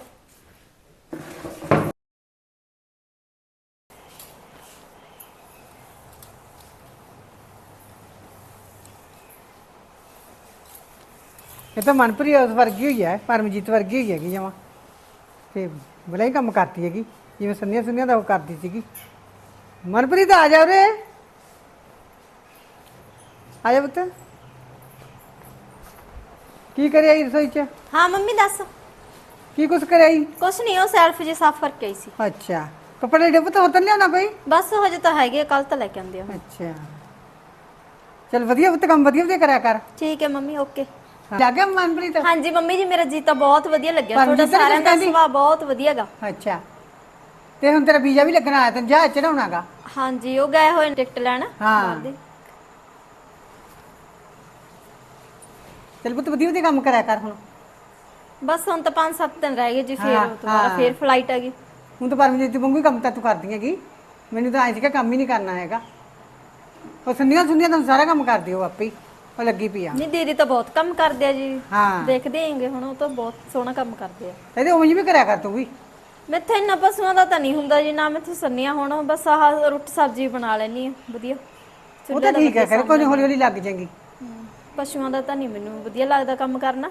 ਇਹ ਤਾਂ ਮਨਪ੍ਰੀਤ ਉਸ ਵਰਗੀ ਹੋਈ ਹੈ, ਪਰਮਜੀਤ ਵਰਗੀ ਹੋਈ ਹੈਗੀ ਜਮਾਂ। ਤੇ ਬੜਾ ਹੀ ਕੰਮ ਕਰਦੀ ਹੈਗੀ ਜਿਵੇਂ ਸੰਨੀਆਂ ਸੰਨੀਆਂ ਦਾ ਉਹ ਕਰਦੀ ਸੀਗੀ। ਮਨਪ੍ਰੀਤ ਆ ਜਾ ਉਰੇ, ਆ ਜਾ ਪੁੱਤ। ਕੀ ਕਰਿਆ ਈ ਰਸੋਈ ਚ? ਹਾਂ ਮੰਮੀ ਦੱਸ। ਕੀ ਕੁਛ ਕਰਿਆ ਈ? ਕੁਛ ਨਹੀਂ, ਉਹ ਸੈਲਫ ਜੇ ਸਾਫ਼ ਕਰਕੇ ਆਈ ਸੀ। ਅੱਛਾ ਕੱਪੜੇ ਡੇ ਪੁੱਤ ਹੋਰ ਤਾਂ ਨੀ ਲਿਆਉਣਾ ਕੋਈ? ਬਸ ਹਜੇ ਤਾਂ ਹੈਗੇ, ਕੱਲ ਤਾਂ ਲੈ ਕੇ ਆਉਂਦੇ ਆ। ਅੱਛਾ ਚਲ ਵਧੀਆ ਪੁੱਤ, ਕੰਮ ਵਧੀਆ ਵਧੀਆ ਕਰਿਆ ਕਰ। ਠੀਕ ਹੈ ਮੰਮੀ ਓਕੇ। ਲੱਗ ਗਿਆ ਮਨਪ੍ਰੀਤ? ਹਾਂਜੀ ਮੰਮੀ ਜੀ ਮੇਰਾ ਜੀ ਤਾਂ ਬਹੁਤ ਵਧੀਆ ਲੱਗਿਆ, ਪਰ ਤੁਹਾਡਾ ਜੀ ਤਾਂ ਸਾਰਿਆਂ ਦਾ ਕਹਿੰਦੀ- ਸੁਭਾਅ ਬਹੁਤ ਵਧੀਆਗਾ। ਅੱਛਾ ਤੇ ਹੁਣ ਤੇਰਾ ਵੀਜ਼ਾ ਵੀ ਲੱਗਣਾ ਆਇਆ, ਤੈਨੂੰ ਜਹਾਜ਼ ਚੜਾਉਣਾਗਾ। ਹਾਂਜੀ ਉਹ ਗਏ ਹੋਏ ਨੇ ਟਿਕਟ ਲੈਣ ਹਾਂ। ਬਾਹਰ ਦੀ। ਚੱਲ ਪੁੱਤ ਵਧੀਆ ਵਧੀਆ ਕੰਮ ਕਰਿਆ ਕਰ ਹੁਣ। ਬਸ ਹੁਣ ਤਾਂ 5-7 ਦਿਨ ਰਹਿ ਗਏ ਜੀ, ਫਿਰ ਹਾਂ, ਦੁਬਾਰਾ ਹਾਂ। ਫਿਰ ਫਲਾਈਟ ਆ ਗਈ। ਹੁਣ ਤਾਂ ਪਰਮਜੀਤ ਵਾਂਗੂ ਹੀ ਕੰਮ ਤਾਂ ਤੂੰ ਕਰਦੀ ਹੈਗੀ। ਮੈਨੂੰ ਤਾਂ ਐਂ ਸੀਗਾ ਕੰਮ ਹੀ ਨਹੀਂ ਕਰਨਾ ਹੈਗਾ। ਉਹ ਸੁਣੀਆਂ ਤਾਂ ਸਾਰਾ ਕੰਮ ਕਰਦੀ ਉਹ ਆਪੇ ਹੀ, ਉਹ ਲੱਗੀ ਪਈ ਆ। ਨਹੀਂ ਦੀਦੀ ਤਾਂ ਬਹੁਤ ਕੰਮ ਕਰਦੇ ਆ ਜੀ, ਹਾਂ ਦੇਖਦੇ ਹੈਗੇ ਹੁਣ, ਉਹ ਤਾਂ ਬਹੁਤ ਸੋਹਣਾ ਕੰਮ ਕਰਦੇ ਆ। ਇਹਦੇ ਉਵੇਂ ਵੀ ਕਰਿਆ ਕਰ ਤੂੰ ਵੀ। ਮੈਥੇ ਇੰਨਾ ਪਸ਼ੂਆਂ ਦਾ ਤਾਂ ਨਹੀਂ ਹੁੰਦਾ ਜੀ, ਨਾ ਮੈਥੇ ਸੰਨੀਆਂ ਹੁਣ, ਬਸ ਆਹ ਰੋਟੀ ਸਬਜ਼ੀ ਬਣਾ ਲੈਣੀ ਆ ਵਧੀਆ। ਉਹ ਤਾਂ ਠੀਕ ਹੈ, ਫਿਰ ਕੋਈ ਹੌਲੀ ਹੌਲੀ ਲੱਗ ਜਾਏਗੀ। ਪਸ਼ੂਆਂ ਦਾ ਤਾਂ ਨਹੀਂ ਮੈਨੂੰ ਵਧੀਆ ਲੱਗਦਾ ਕੰਮ ਕਰਨਾ।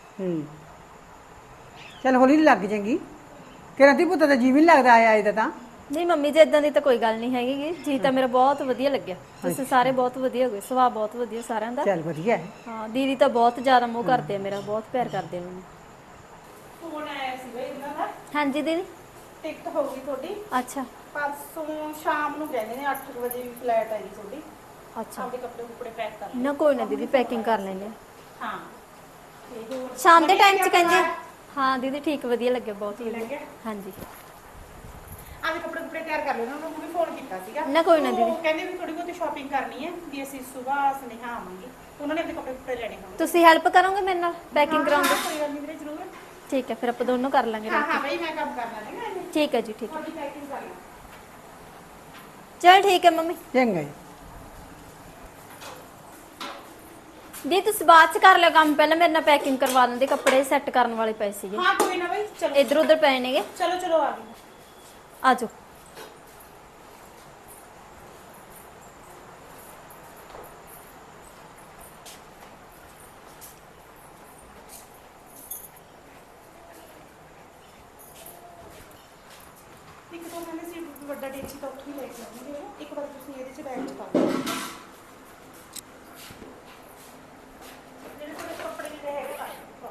ਚੱਲ ਹੌਲੀ ਹੌਲੀ ਲੱਗ ਜਾਏਗੀ। ਤੇਰਾ ਧੀ ਪੁੱਤ ਦਾ ਜੀ ਵੀ ਨਹੀਂ ਲੱਗਦਾ ਆਇਆ ਇਹਦਾ ਤਾਂ। ਨਹੀਂ ਮੰਮੀ ਜੀ ਇਦਾਂ ਦੀ ਤਾਂ ਕੋਈ ਗੱਲ ਨਹੀਂ ਹੈਗੀ ਜੀ, ਤਾਂ ਮੇਰਾ ਬਹੁਤ ਵਧੀਆ ਲੱਗਿਆ। ਤੁਸੀਂ ਸਾਰੇ ਬਹੁਤ ਵਧੀਆ ਹੋਗੇ, ਸੁਭਾਅ ਬਹੁਤ ਵਧੀਆ ਸਾਰਿਆਂ ਦਾ। ਚੱਲ ਵਧੀਆ ਹੈ। ਹਾਂ ਦੀਦੀ ਤਾਂ ਬਹੁਤ ਜ਼ਿਆਦਾ ਮੋਹ ਕਰਦੇ ਆ ਮੇਰਾ, ਬਹੁਤ ਪਿਆਰ ਕਰਦੇ ਆ ਮੈਨੂੰ। ਫੋਨ ਆਇਆ ਸੀ ਬਈ ਇਹਨਾਂ ਦਾ, ਹਾਂਜੀ ਦੀਦੀ। ਟਿਕਟ ਹੋ ਗਈ ਤੁਹਾਡੀ। ਅੱਛਾ ਪਰਸੋਂ ਸ਼ਾਮ ਨੂੰ ਕਹਿੰਦੇ ਨੇ 8 ਵਜੇ ਫਲਾਈਟ ਆਈ ਤੁਹਾਡੀ। ਅੱਛਾ ਆਪਦੇ ਕੱਪੜੇ ਕੁਪੜੇ ਪੈਕ ਕਰ ਨਾ ਕੋਈ ਨਾ ਦੀਦੀ, ਪੈਕਿੰਗ ਕਰ ਲੈਂਦੇ ਆ। ਹਾਂ ਤੇ ਹੋਰ ਸ਼ਾਮ ਦੇ ਟਾਈਮ 'ਚ ਕਹਿੰਦੇ ਆ। ਹਾਂ ਦੀਦੀ ਠੀਕ, ਵਧੀਆ ਲੱਗਿਆ, ਬਹੁਤ ਵਧੀਆ। ਲੱਗਿਆ? ਹਾਂਜੀ ਆਪਦੇ ਕੱਪੜੇ ਕੁਪੜੇ ਤਿਆਰ ਕਰ ਲੈਣਾ, ਉਹਨਾਂ ਨੂੰ ਵੀ ਫੋਨ ਕੀਤਾ ਸੀਗਾ। ਨਾ ਕੋਈ ਨਾ ਦੀਦੀ। ਉਹ ਕਹਿੰਦੇ ਵੀ ਥੋੜੀ ਬਹੁਤੀ ਸ਼ਾਪਿੰਗ ਕਰਨੀ ਹੈ, ਵੀ ਅਸੀਂ ਸਵੇਰ ਸੁਨੇਹਾ ਆਵਾਂਗੇ, ਉਹਨਾਂ ਨੇ ਆਪਣੇ ਕੱਪੜੇ ਕੁਪੜੇ ਲੈਣੇ ਹੋਣਗੇ। ਤੁਸੀਂ ਹੈਲਪ ਕਰੋਗੇ ਮੇਰੇ ਨਾਲ ਪੈਕਿੰਗ ਕਰਾਉਣ ਦੀ? ਕੋਈ ਗੱਲ ਨਹੀਂ ਵੀਰੇ, ਜ਼ਰੂਰ। ਠੀਕ ਹੈ, ਫਿਰ ਆਪਾਂ ਦੋਨੋਂ ਕਰ ਲਾਂਗੇ ਹਾਂ ਰਲ ਹਾਂ ਕੇ। ਬਈ ਮੈਂ ਕੰਮ ਕਰਨਾ ਹੈਗਾ ਇਹਨੇ। ਠੀਕ ਹੈ ਜੀ, ਠੀਕ ਹੈ। ਤੁਹਾਡੀ ਪੈਕਿੰਗ ਕਰ ਲਾਂ। ਚਲ ਠੀਕ ਹੈ ਮੰਮੀ। ਚੰਗਾ ਜੀ। ਦੀ ਤੁਸੀਂ ਬਾਅਦ 'ਚ ਕਰ ਲਿਓ ਕੰਮ, ਪਹਿਲਾਂ ਮੇਰੇ ਨਾਲ ਪੈਕਿੰਗ ਕਰਵਾ ਦਿੰਦੇ, ਕੱਪੜੇ ਸੈੱਟ ਕਰਨ ਵਾਲੇ ਪਏ ਸੀਗੇ, ਹਾਂ ਕੋਈ ਨਾ ਬਈ, ਚਲੋ ਇੱਧਰ ਉੱਧਰ ਪਏ ਨੇਗੇ। ਚਲੋ ਚਲੋ ਆ ਗਏ। ਆ ਜਾਓ। ਇੱਕ ਤਾਂ ਕਹਿੰਦੇ ਸੀ ਵੱਡਾ ਡੇਚੀ ਤਾਂ ਉੱਥੋਂ ਹੀ ਲੈ ਕੇ ਆਉਣਗੇ, ਇੱਕ ਵਾਰ ਤੁਸੀਂ ਇਹਦੇ 'ਚ ਬੈਗ 'ਚ ਪਾ ਦਿਓ। ਜਿਹੜੇ ਤੁਹਾਡੇ ਕੱਪੜੇ ਜਿਹੜੇ ਹੈਗੇ ਪਾ ਦਿਓ।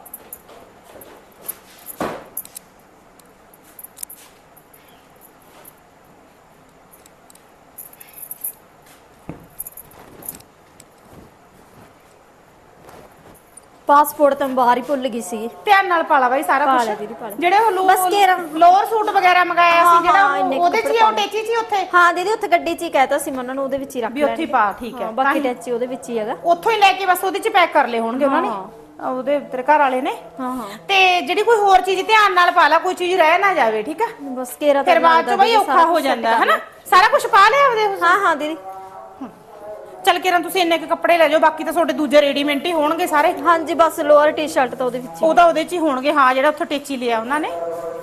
ਪਾਸਪੋਰਟ ਤਾਂ ਬਾਹਰ ਹੀ ਭੁੱਲ ਗਈ ਸੀ। ਧਿਆਨ ਨਾਲ ਪਾਲਾ ਬਾਈ ਸਾਰਾ ਪਾ ਕੁਝ। ਲਿਆ ਦੀਦੀ, ਪਾ ਲਿਆ। ਜਿਹੜੇ ਉਹ ਬਸ ਘੇਰਾ। ਲੋਅਰ ਸੂਟ ਵਗੈਰਾ ਮੰਗਾਇਆ ਹਾਂ, ਸੀ, ਜਿਹੜਾ ਹਾਂ, ਇੰਨੇ ਉਹਦੇ 'ਚ ਹੀ ਕੱਪੜੇ ਉਹ ਟੇਚੀ 'ਚ ਹੀ ਉੱਥੇ ਹਾਂ ਦੀਦੀ, ਉੱਥੇ ਗੱਡੀ 'ਚ ਹੀ ਕਹਿਤਾ ਸੀ ਮੈਂ ਉਹਨਾਂ ਨੂੰ, ਉਹਦੇ ਵਿੱਚ ਹੀ ਰੱਖ ਵੀ ਉੱਥੇ ਹੀ ਲੈਣਗੇ। ਪਾ, ਠੀਕ ਹੈ। ਹਾਂ, ਬਾਕੀ ਤਾਂ ਹੀ- ਟੈਚੀ ਉਹਦੇ ਵਿੱਚ ਹੀ ਹੈਗਾ। ਉੱਥੋਂ ਹੀ ਲੈ ਕੇ ਬਸ ਉਹਦੇ 'ਚ ਪੈਕ ਕਰ ਲਏ ਹੋਣਗੇ ਉਹਨਾਂ ਨੇ, ਉਹਦੇ ਤੇਰੇ ਘਰ ਵਾਲੇ ਨੇ। ਹਾਂ ਹਾਂ ਤੇ ਜਿਹੜੀ ਕੋਈ ਹੋਰ ਚੀਜ਼ ਧਿਆਨ ਨਾਲ ਪਾ ਲਾ, ਕੋਈ ਚੀਜ਼ ਰਹਿ ਨਾ ਜਾਵੇ, ਠੀਕ ਆ। ਬਸ ਘੇਰਾ ਤਾਂ ਫਿਰ ਬਾਅਦ 'ਚ ਬਈ ਔਖਾ ਹੋ ਜਾਂਦਾ ਹੈ ਨਾ। ਸਾਰਾ ਕੁਝ ਪਾ ਲਿਆ ਉਹਦੇ। ਹਾਂ ਹਾਂ ਦੀਦੀ। ਚੱਲ ਕੇ ਤੁਸੀਂ ਇੰਨੇ ਕੁ ਕੱਪੜੇ ਲੈ ਜਾਓ, ਬਾਕੀ ਤਾਂ ਤੁਹਾਡੇ ਦੂਜੇ ਰੈਡੀਮੇਡ ਹੀ ਹੋਣਗੇ ਸਾਰੇ। ਹਾਂਜੀ ਬਸ ਲੋਅਰ ਟੀ-ਸ਼ਰਟ ਤਾਂ ਉਹਦੇ ਵਿੱਚ ਹੀ। ਉਹ ਤਾਂ ਉਹਦੇ 'ਚ ਹੀ ਹੋਣਗੇ, ਹਾਂ, ਜਿਹੜਾ ਉੱਥੋਂ ਟੇਚੀ ਲਿਆ ਉਹਨਾਂ ਨੇ।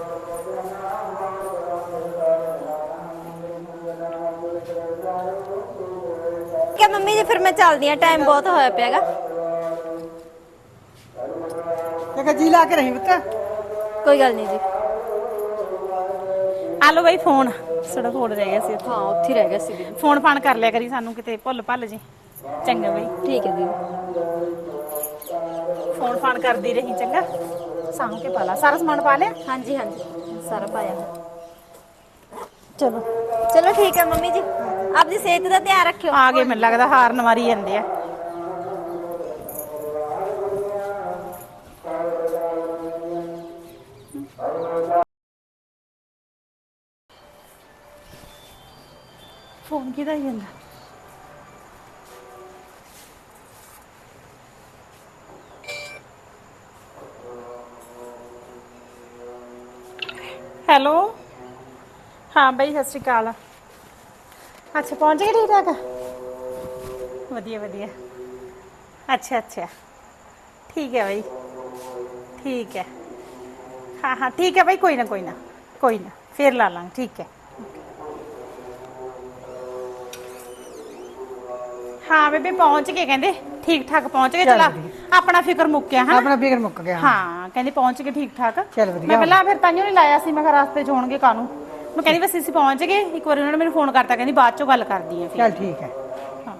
ਠੀਕ ਹੈ ਮੰਮੀ ਜੀ, ਫਿਰ ਮੈਂ ਚੱਲਦੀ ਆ, ਟਾਈਮ ਬਹੁਤ ਹੋਇਆ ਪਿਆਗਾ। ਤੇ ਜੀ ਲਾ ਕੇ ਰਹੀ ਪੁੱਤ। ਕੋਈ ਗੱਲ ਨਹੀਂ ਜੀ। ਆ ਲਓ ਬਈ ਫੋਨ, ਸਾਡਾ ਫੋਨ ਰਹਿ ਗਿਆ ਸੀ ਉੱਥੇ। ਹਾਂ ਉੱਥੇ ਹੀ ਰਹਿ ਗਿਆ ਸੀ ਦੀਦੀ। ਫੋਨ ਫਾਨ ਕਰ ਲਿਆ ਕਰੀ ਸਾਨੂੰ, ਕਿਤੇ ਭੁੱਲ ਭੱਲ ਜੀ। ਚੰਗਾ ਬਈ, ਠੀਕ ਹੈ ਦੀਦੀ। ਫੋਨ ਫਾਨ ਕਰਦੀ ਰਹੀ, ਚੰਗਾ। ਸਾਂਭ ਕੇ ਪਾ ਲਾ, ਸਾਰਾ ਸਮਾਨ ਪਾ ਲਿਆ। ਹਾਂਜੀ ਹਾਂਜੀ ਸਾਰਾ ਪਾਇਆ। ਚਲੋ ਚਲੋ ਠੀਕ ਹੈ ਮੰਮੀ ਜੀ, ਆਪਦੀ ਸਿਹਤ ਦਾ ਧਿਆਨ ਰੱਖਿਓ। ਆ ਗਏ, ਮੈਨੂੰ ਲੱਗਦਾ ਹਾਰਨ ਮਾਰੀ ਜਾਂਦੇ ਆ। ਫੋਨ ਕਿਹਦਾ ਹੀ ਜਾਂਦਾ? ਹੈਲੋ, ਹਾਂ ਬਈ ਸਤਿ ਸ਼੍ਰੀ ਅਕਾਲ। ਅੱਛਾ ਪਹੁੰਚ ਗਏ, ਠੀਕ ਠਾਕ? ਵਧੀਆ ਵਧੀਆ। ਅੱਛਾ ਅੱਛਾ ਠੀਕ ਹੈ ਬਈ, ਠੀਕ ਹੈ। ਹਾਂ ਹਾਂ ਠੀਕ ਹੈ ਬਈ, ਕੋਈ ਨਾ ਕੋਈ ਨਾ ਕੋਈ ਨਾ, ਫੇਰ ਲਾ ਲਾਂਗੇ, ਠੀਕ ਹੈ। ਹਾਂ ਬੇਬੇ ਪਹੁੰਚ ਗਏ ਕਹਿੰਦੇ, ਠੀਕ ਠਾਕ ਪਹੁੰਚ ਗਏ। ਚਲਾ ਆਪਣਾ ਫਿਕਰ ਮੁੱਕਿਆ ਹੈ। ਆਪਣਾ ਫਿਕਰ ਮੁੱਕ ਗਿਆ। ਹਾਂ ਕਹਿੰਦੇ ਪਹੁੰਚ ਗਏ ਠੀਕ ਠਾਕ। ਚੱਲ ਵਧੀਆ। ਮੈਂ ਪਹਿਲਾਂ ਫਿਰ ਤਾਂਹੀਓ ਨਹੀਂ ਲਾਇਆ ਸੀ, ਮੈਂ ਕਿਹਾ ਰਸਤੇ 'ਚ ਹੋਣਗੇ ਕਾਨੂੰ। ਮੈਂ ਕਹਿੰਦੀ ਬਸ ਅਸੀਂ ਪਹੁੰਚ ਗਏ। ਇੱਕ ਵਾਰੀ ਉਹਨਾਂ ਨੇ ਮੈਨੂੰ ਫੋਨ ਕਰਤਾ, ਕਹਿੰਦੀ ਬਾਅਦ 'ਚੋਂ ਗੱਲ ਕਰਦੀ ਆ ਫਿਰ। ਚੱਲ ਠੀਕ ਹੈ। ਹਾਂ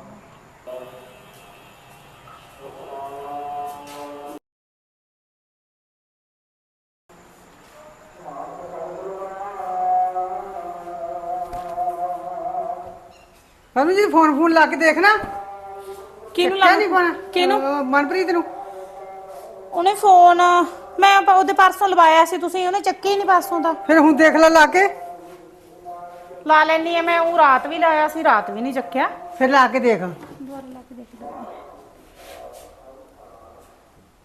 ਸਾਨੂੰ ਜੀ ਫੋਨ ਲਾ ਕੇ ਦੇਖਣਾ। ਕਿਹਨੂੰ ਚੱਕਿਆ ਨਹੀਂ ਪਾਣਾ? ਕਿਹਨੂੰ? ਮਨਪ੍ਰੀਤ ਨੂੰ। ਉਹਨੇ ਫੋਨ ਮੈਂ ਉਹਦੇ ਪਰਸੋਂ ਲਵਾਇਆ ਸੀ, ਤੁਸੀਂ ਉਹਨੇ ਚੱਕੀ ਨਹੀਂ ਪਰਸੋਂ ਦਾ। ਫਿਰ ਹੁਣ ਦੇਖ ਲੈ ਲਾ ਕੇ। ਲਾ ਲੈਣੀ ਆ ਮੈਂ, ਉਹ ਰਾਤ ਵੀ ਲਾਇਆ ਸੀ, ਰਾਤ ਵੀ ਨਹੀਂ ਚੱਕਿਆ। ਫਿਰ ਲਾ ਕੇ ਦੇਖ। ਦੁਬਾਰਾ ਲਾ ਕੇ ਦੇਖ ਲਓ।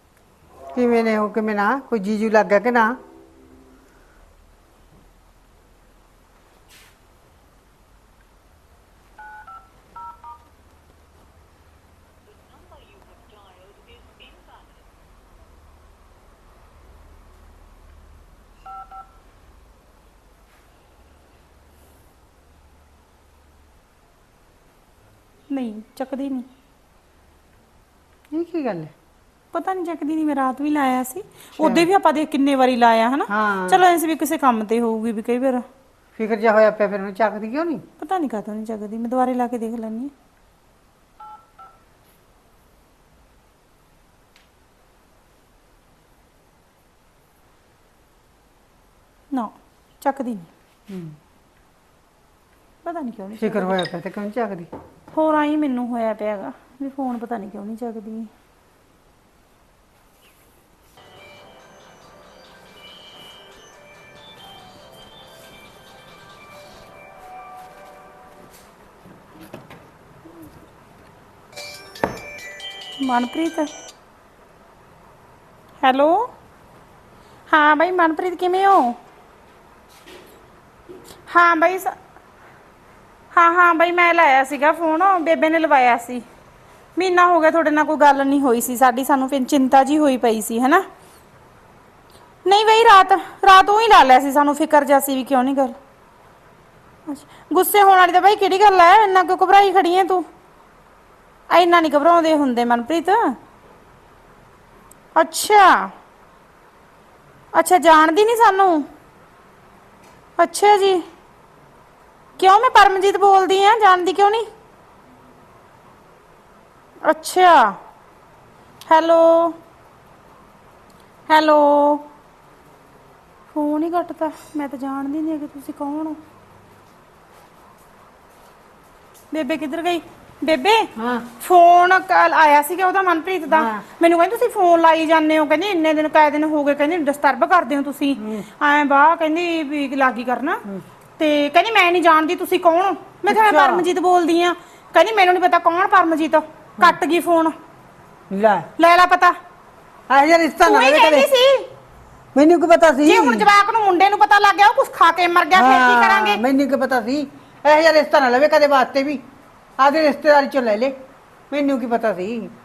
ਕਿਵੇਂ ਨੇ ਉਹ ਕਿਵੇਂ ਨਾ ਕੋਈ ਜੀਜੂ ਲੱਗ ਗਿਆ ਕਿ ਨਾ? ਨਹੀਂ ਚੱਕਦੀ ਨਹੀਂ। ਇਹ ਕੀ ਗੱਲ ਹੈ? ਪਤਾ ਨਹੀਂ ਚੱਕਦੀ ਨਹੀਂ। ਮੈਂ ਰਾਤ ਵੀ ਲਾਇਆ ਸੀ, ਉਹਦੇ ਵੀ ਆਪਾਂ ਦੇਖ ਕਿੰਨੇ ਵਾਰੀ ਲਾਇਆ ਹਨਾ। ਹਾਂ। ਚਲੋ ਐਸੇ ਵੀ ਕਿਸੇ ਕੰਮ ਤੇ ਹੋਊਗੀ ਵੀ ਕਈ ਵਾਰ। ਫਿਕਰ ਜਿਹਾ ਹੋਇਆ ਪਿਆ ਫਿਰ ਉਹਨੂੰ ਚੱਕਦੀ ਕਿਉਂ ਨਹੀਂ? ਪਤਾ ਨਹੀਂ ਕਾਹਤੋਂ ਨਹੀਂ ਚੱਕਦੀ। ਮੈਂ ਦੁਬਾਰੇ ਲਾ ਕੇ ਦੇਖ ਲੈਣੀ। ਨਾ ਚੱਕਦੀ ਨਹੀਂ। ਪਤਾ ਨਹੀਂ ਕਿਉਂ ਨਹੀਂ। ਫਿਕਰ ਹੋਇਆ ਪਿਆ ਤੇ ਕਿਉਂ ਨੀ ਚੱਕਦੀ? ਹੋਰ ਆਈ ਮੈਨੂੰ ਹੋਇਆ ਪਿਆਗਾ ਵੀ ਫੋਨ ਪਤਾ ਨਹੀਂ ਕਿਉਂ ਨਹੀਂ ਚੱਕਦੀ। ਮਨਪ੍ਰੀਤ, ਹੈਲੋ। ਹਾਂ ਬਾਈ ਮਨਪ੍ਰੀਤ ਕਿਵੇਂ ਹੋ? ਹਾਂ ਬਾਈ ਹਾਂ ਬਾਈ ਮੈਂ ਲਾਇਆ ਸੀਗਾ ਫੋਨ, ਬੇਬੇ ਨੇ ਲਵਾਇਆ ਸੀ। ਮਹੀਨਾ ਹੋ ਗਿਆ ਤੁਹਾਡੇ ਨਾਲ ਕੋਈ ਗੱਲ ਨਹੀਂ ਹੋਈ ਸੀ ਸਾਡੀ, ਸਾਨੂੰ ਫਿਰ ਚਿੰਤਾ ਜੀ ਹੋਈ ਪਈ ਸੀ ਹਨਾ। ਨਹੀਂ ਬਈ ਰਾਤ ਉਹ ਹੀ ਲਾ ਲਿਆ ਸੀ, ਸਾਨੂੰ ਫਿਕਰ ਜਿਹਾ ਸੀ ਵੀ ਕਿਉਂ ਨਹੀਂ ਗੱਲ। ਅੱਛਾ ਗੁੱਸੇ ਹੋਣ ਵਾਲੀ ਤਾਂ ਬਾਈ ਕਿਹੜੀ ਗੱਲ ਹੈ? ਇੰਨਾ ਕਿਉਂ ਘਬਰਾਈ ਖੜੀ ਹੈ ਤੂੰ? ਇੰਨਾ ਨਹੀਂ ਘਬਰਾਉਂਦੇ ਹੁੰਦੇ ਮਨਪ੍ਰੀਤ। ਅੱਛਾ ਜਾਣਦੀ ਨਹੀਂ ਸਾਨੂੰ? ਅੱਛਾ ਜੀ। ਕਿਉਂ? ਮੈਂ ਪਰਮਜੀਤ ਬੋਲਦੀ ਆ, ਜਾਣਦੀ ਕਿਉਂ ਨਹੀਂ? ਅੱਛਾ ਹੈਲੋ ਫੋਨ ਹੀ ਕੱਟਤਾ। ਮੈਂ ਤਾਂ ਜਾਣਦੀ ਨਹੀਂ ਕਿ ਤੁਸੀਂ ਕੌਣ ਹੋ। ਬੇਬੇ ਕਿੱਧਰ ਗਈ? ਬੇਬੇ ਹਾਂ ਫੋਨ ਕੱਲ ਆਇਆ ਸੀਗਾ ਉਹਦਾ, ਮਨਪ੍ਰੀਤ ਦਾ। ਮੈਨੂੰ ਕਹਿੰਦੀ ਤੁਸੀਂ ਫੋਨ ਲਾਈ ਜਾਂਦੇ ਹੋ, ਕਹਿੰਦੀ ਇੰਨੇ ਦਿਨ ਕਾਇ ਦਿਨ ਹੋ ਗਏ, ਕਹਿੰਦੀ ਡਿਸਟਰਬ ਕਰਦੇ ਹੋ ਤੁਸੀਂ ਐਂ ਬਾਹ, ਕਹਿੰਦੀ ਵੀ ਲਾਗੀ ਕਰਨਾ। ਤੇ ਕਹਿੰਦੀ ਮੈਂ ਨਹੀਂ ਜਾਣਦੀ ਤੁਸੀਂ ਕੌਣ ਹੋ। ਮੈਂ ਕਿਹਾ ਮੈਂ ਪਰਮਜੀਤ ਬੋਲਦੀ ਆ। ਕਹਿੰਦੀ ਮੈਨੂੰ ਨਹੀਂ ਪਤਾ ਕੌਣ ਪਰਮਜੀਤ। ਕੱਟ ਗਈ ਫੋਨ। ਲੈ ਪਤਾ ਆ ਯਾਰ ਰਿਸ਼ਤਾ ਨਾ ਲਵੇ ਕਦੇ। ਸੀ ਮੈਨੂੰ ਕੀ ਪਤਾ ਸੀ? ਜੇ ਹੁਣ ਜਵਾਕ ਨੂੰ ਮੁੰਡੇ ਨੂੰ ਪਤਾ ਲੱਗ ਗਿਆ ਉਹ ਕੁਛ ਖਾ ਕੇ ਮਰ ਗਿਆ ਫਿਰ ਕੀ ਕਰਾਂਗੇ? ਮੈਨੂੰ ਕੀ ਪਤਾ ਸੀ? ਇਹ ਯਾਰ ਰਿਸ਼ਤਾ ਨਾ ਲਵੇ ਕਦੇ ਵਾਸਤੇ ਵੀ, ਆਦੇ ਰਿਸ਼ਤੇਦਾਰੀ ਚੋਂ ਲੈ ਲੈ। ਮੈਨੂੰ ਕੀ ਪਤਾ ਸੀ?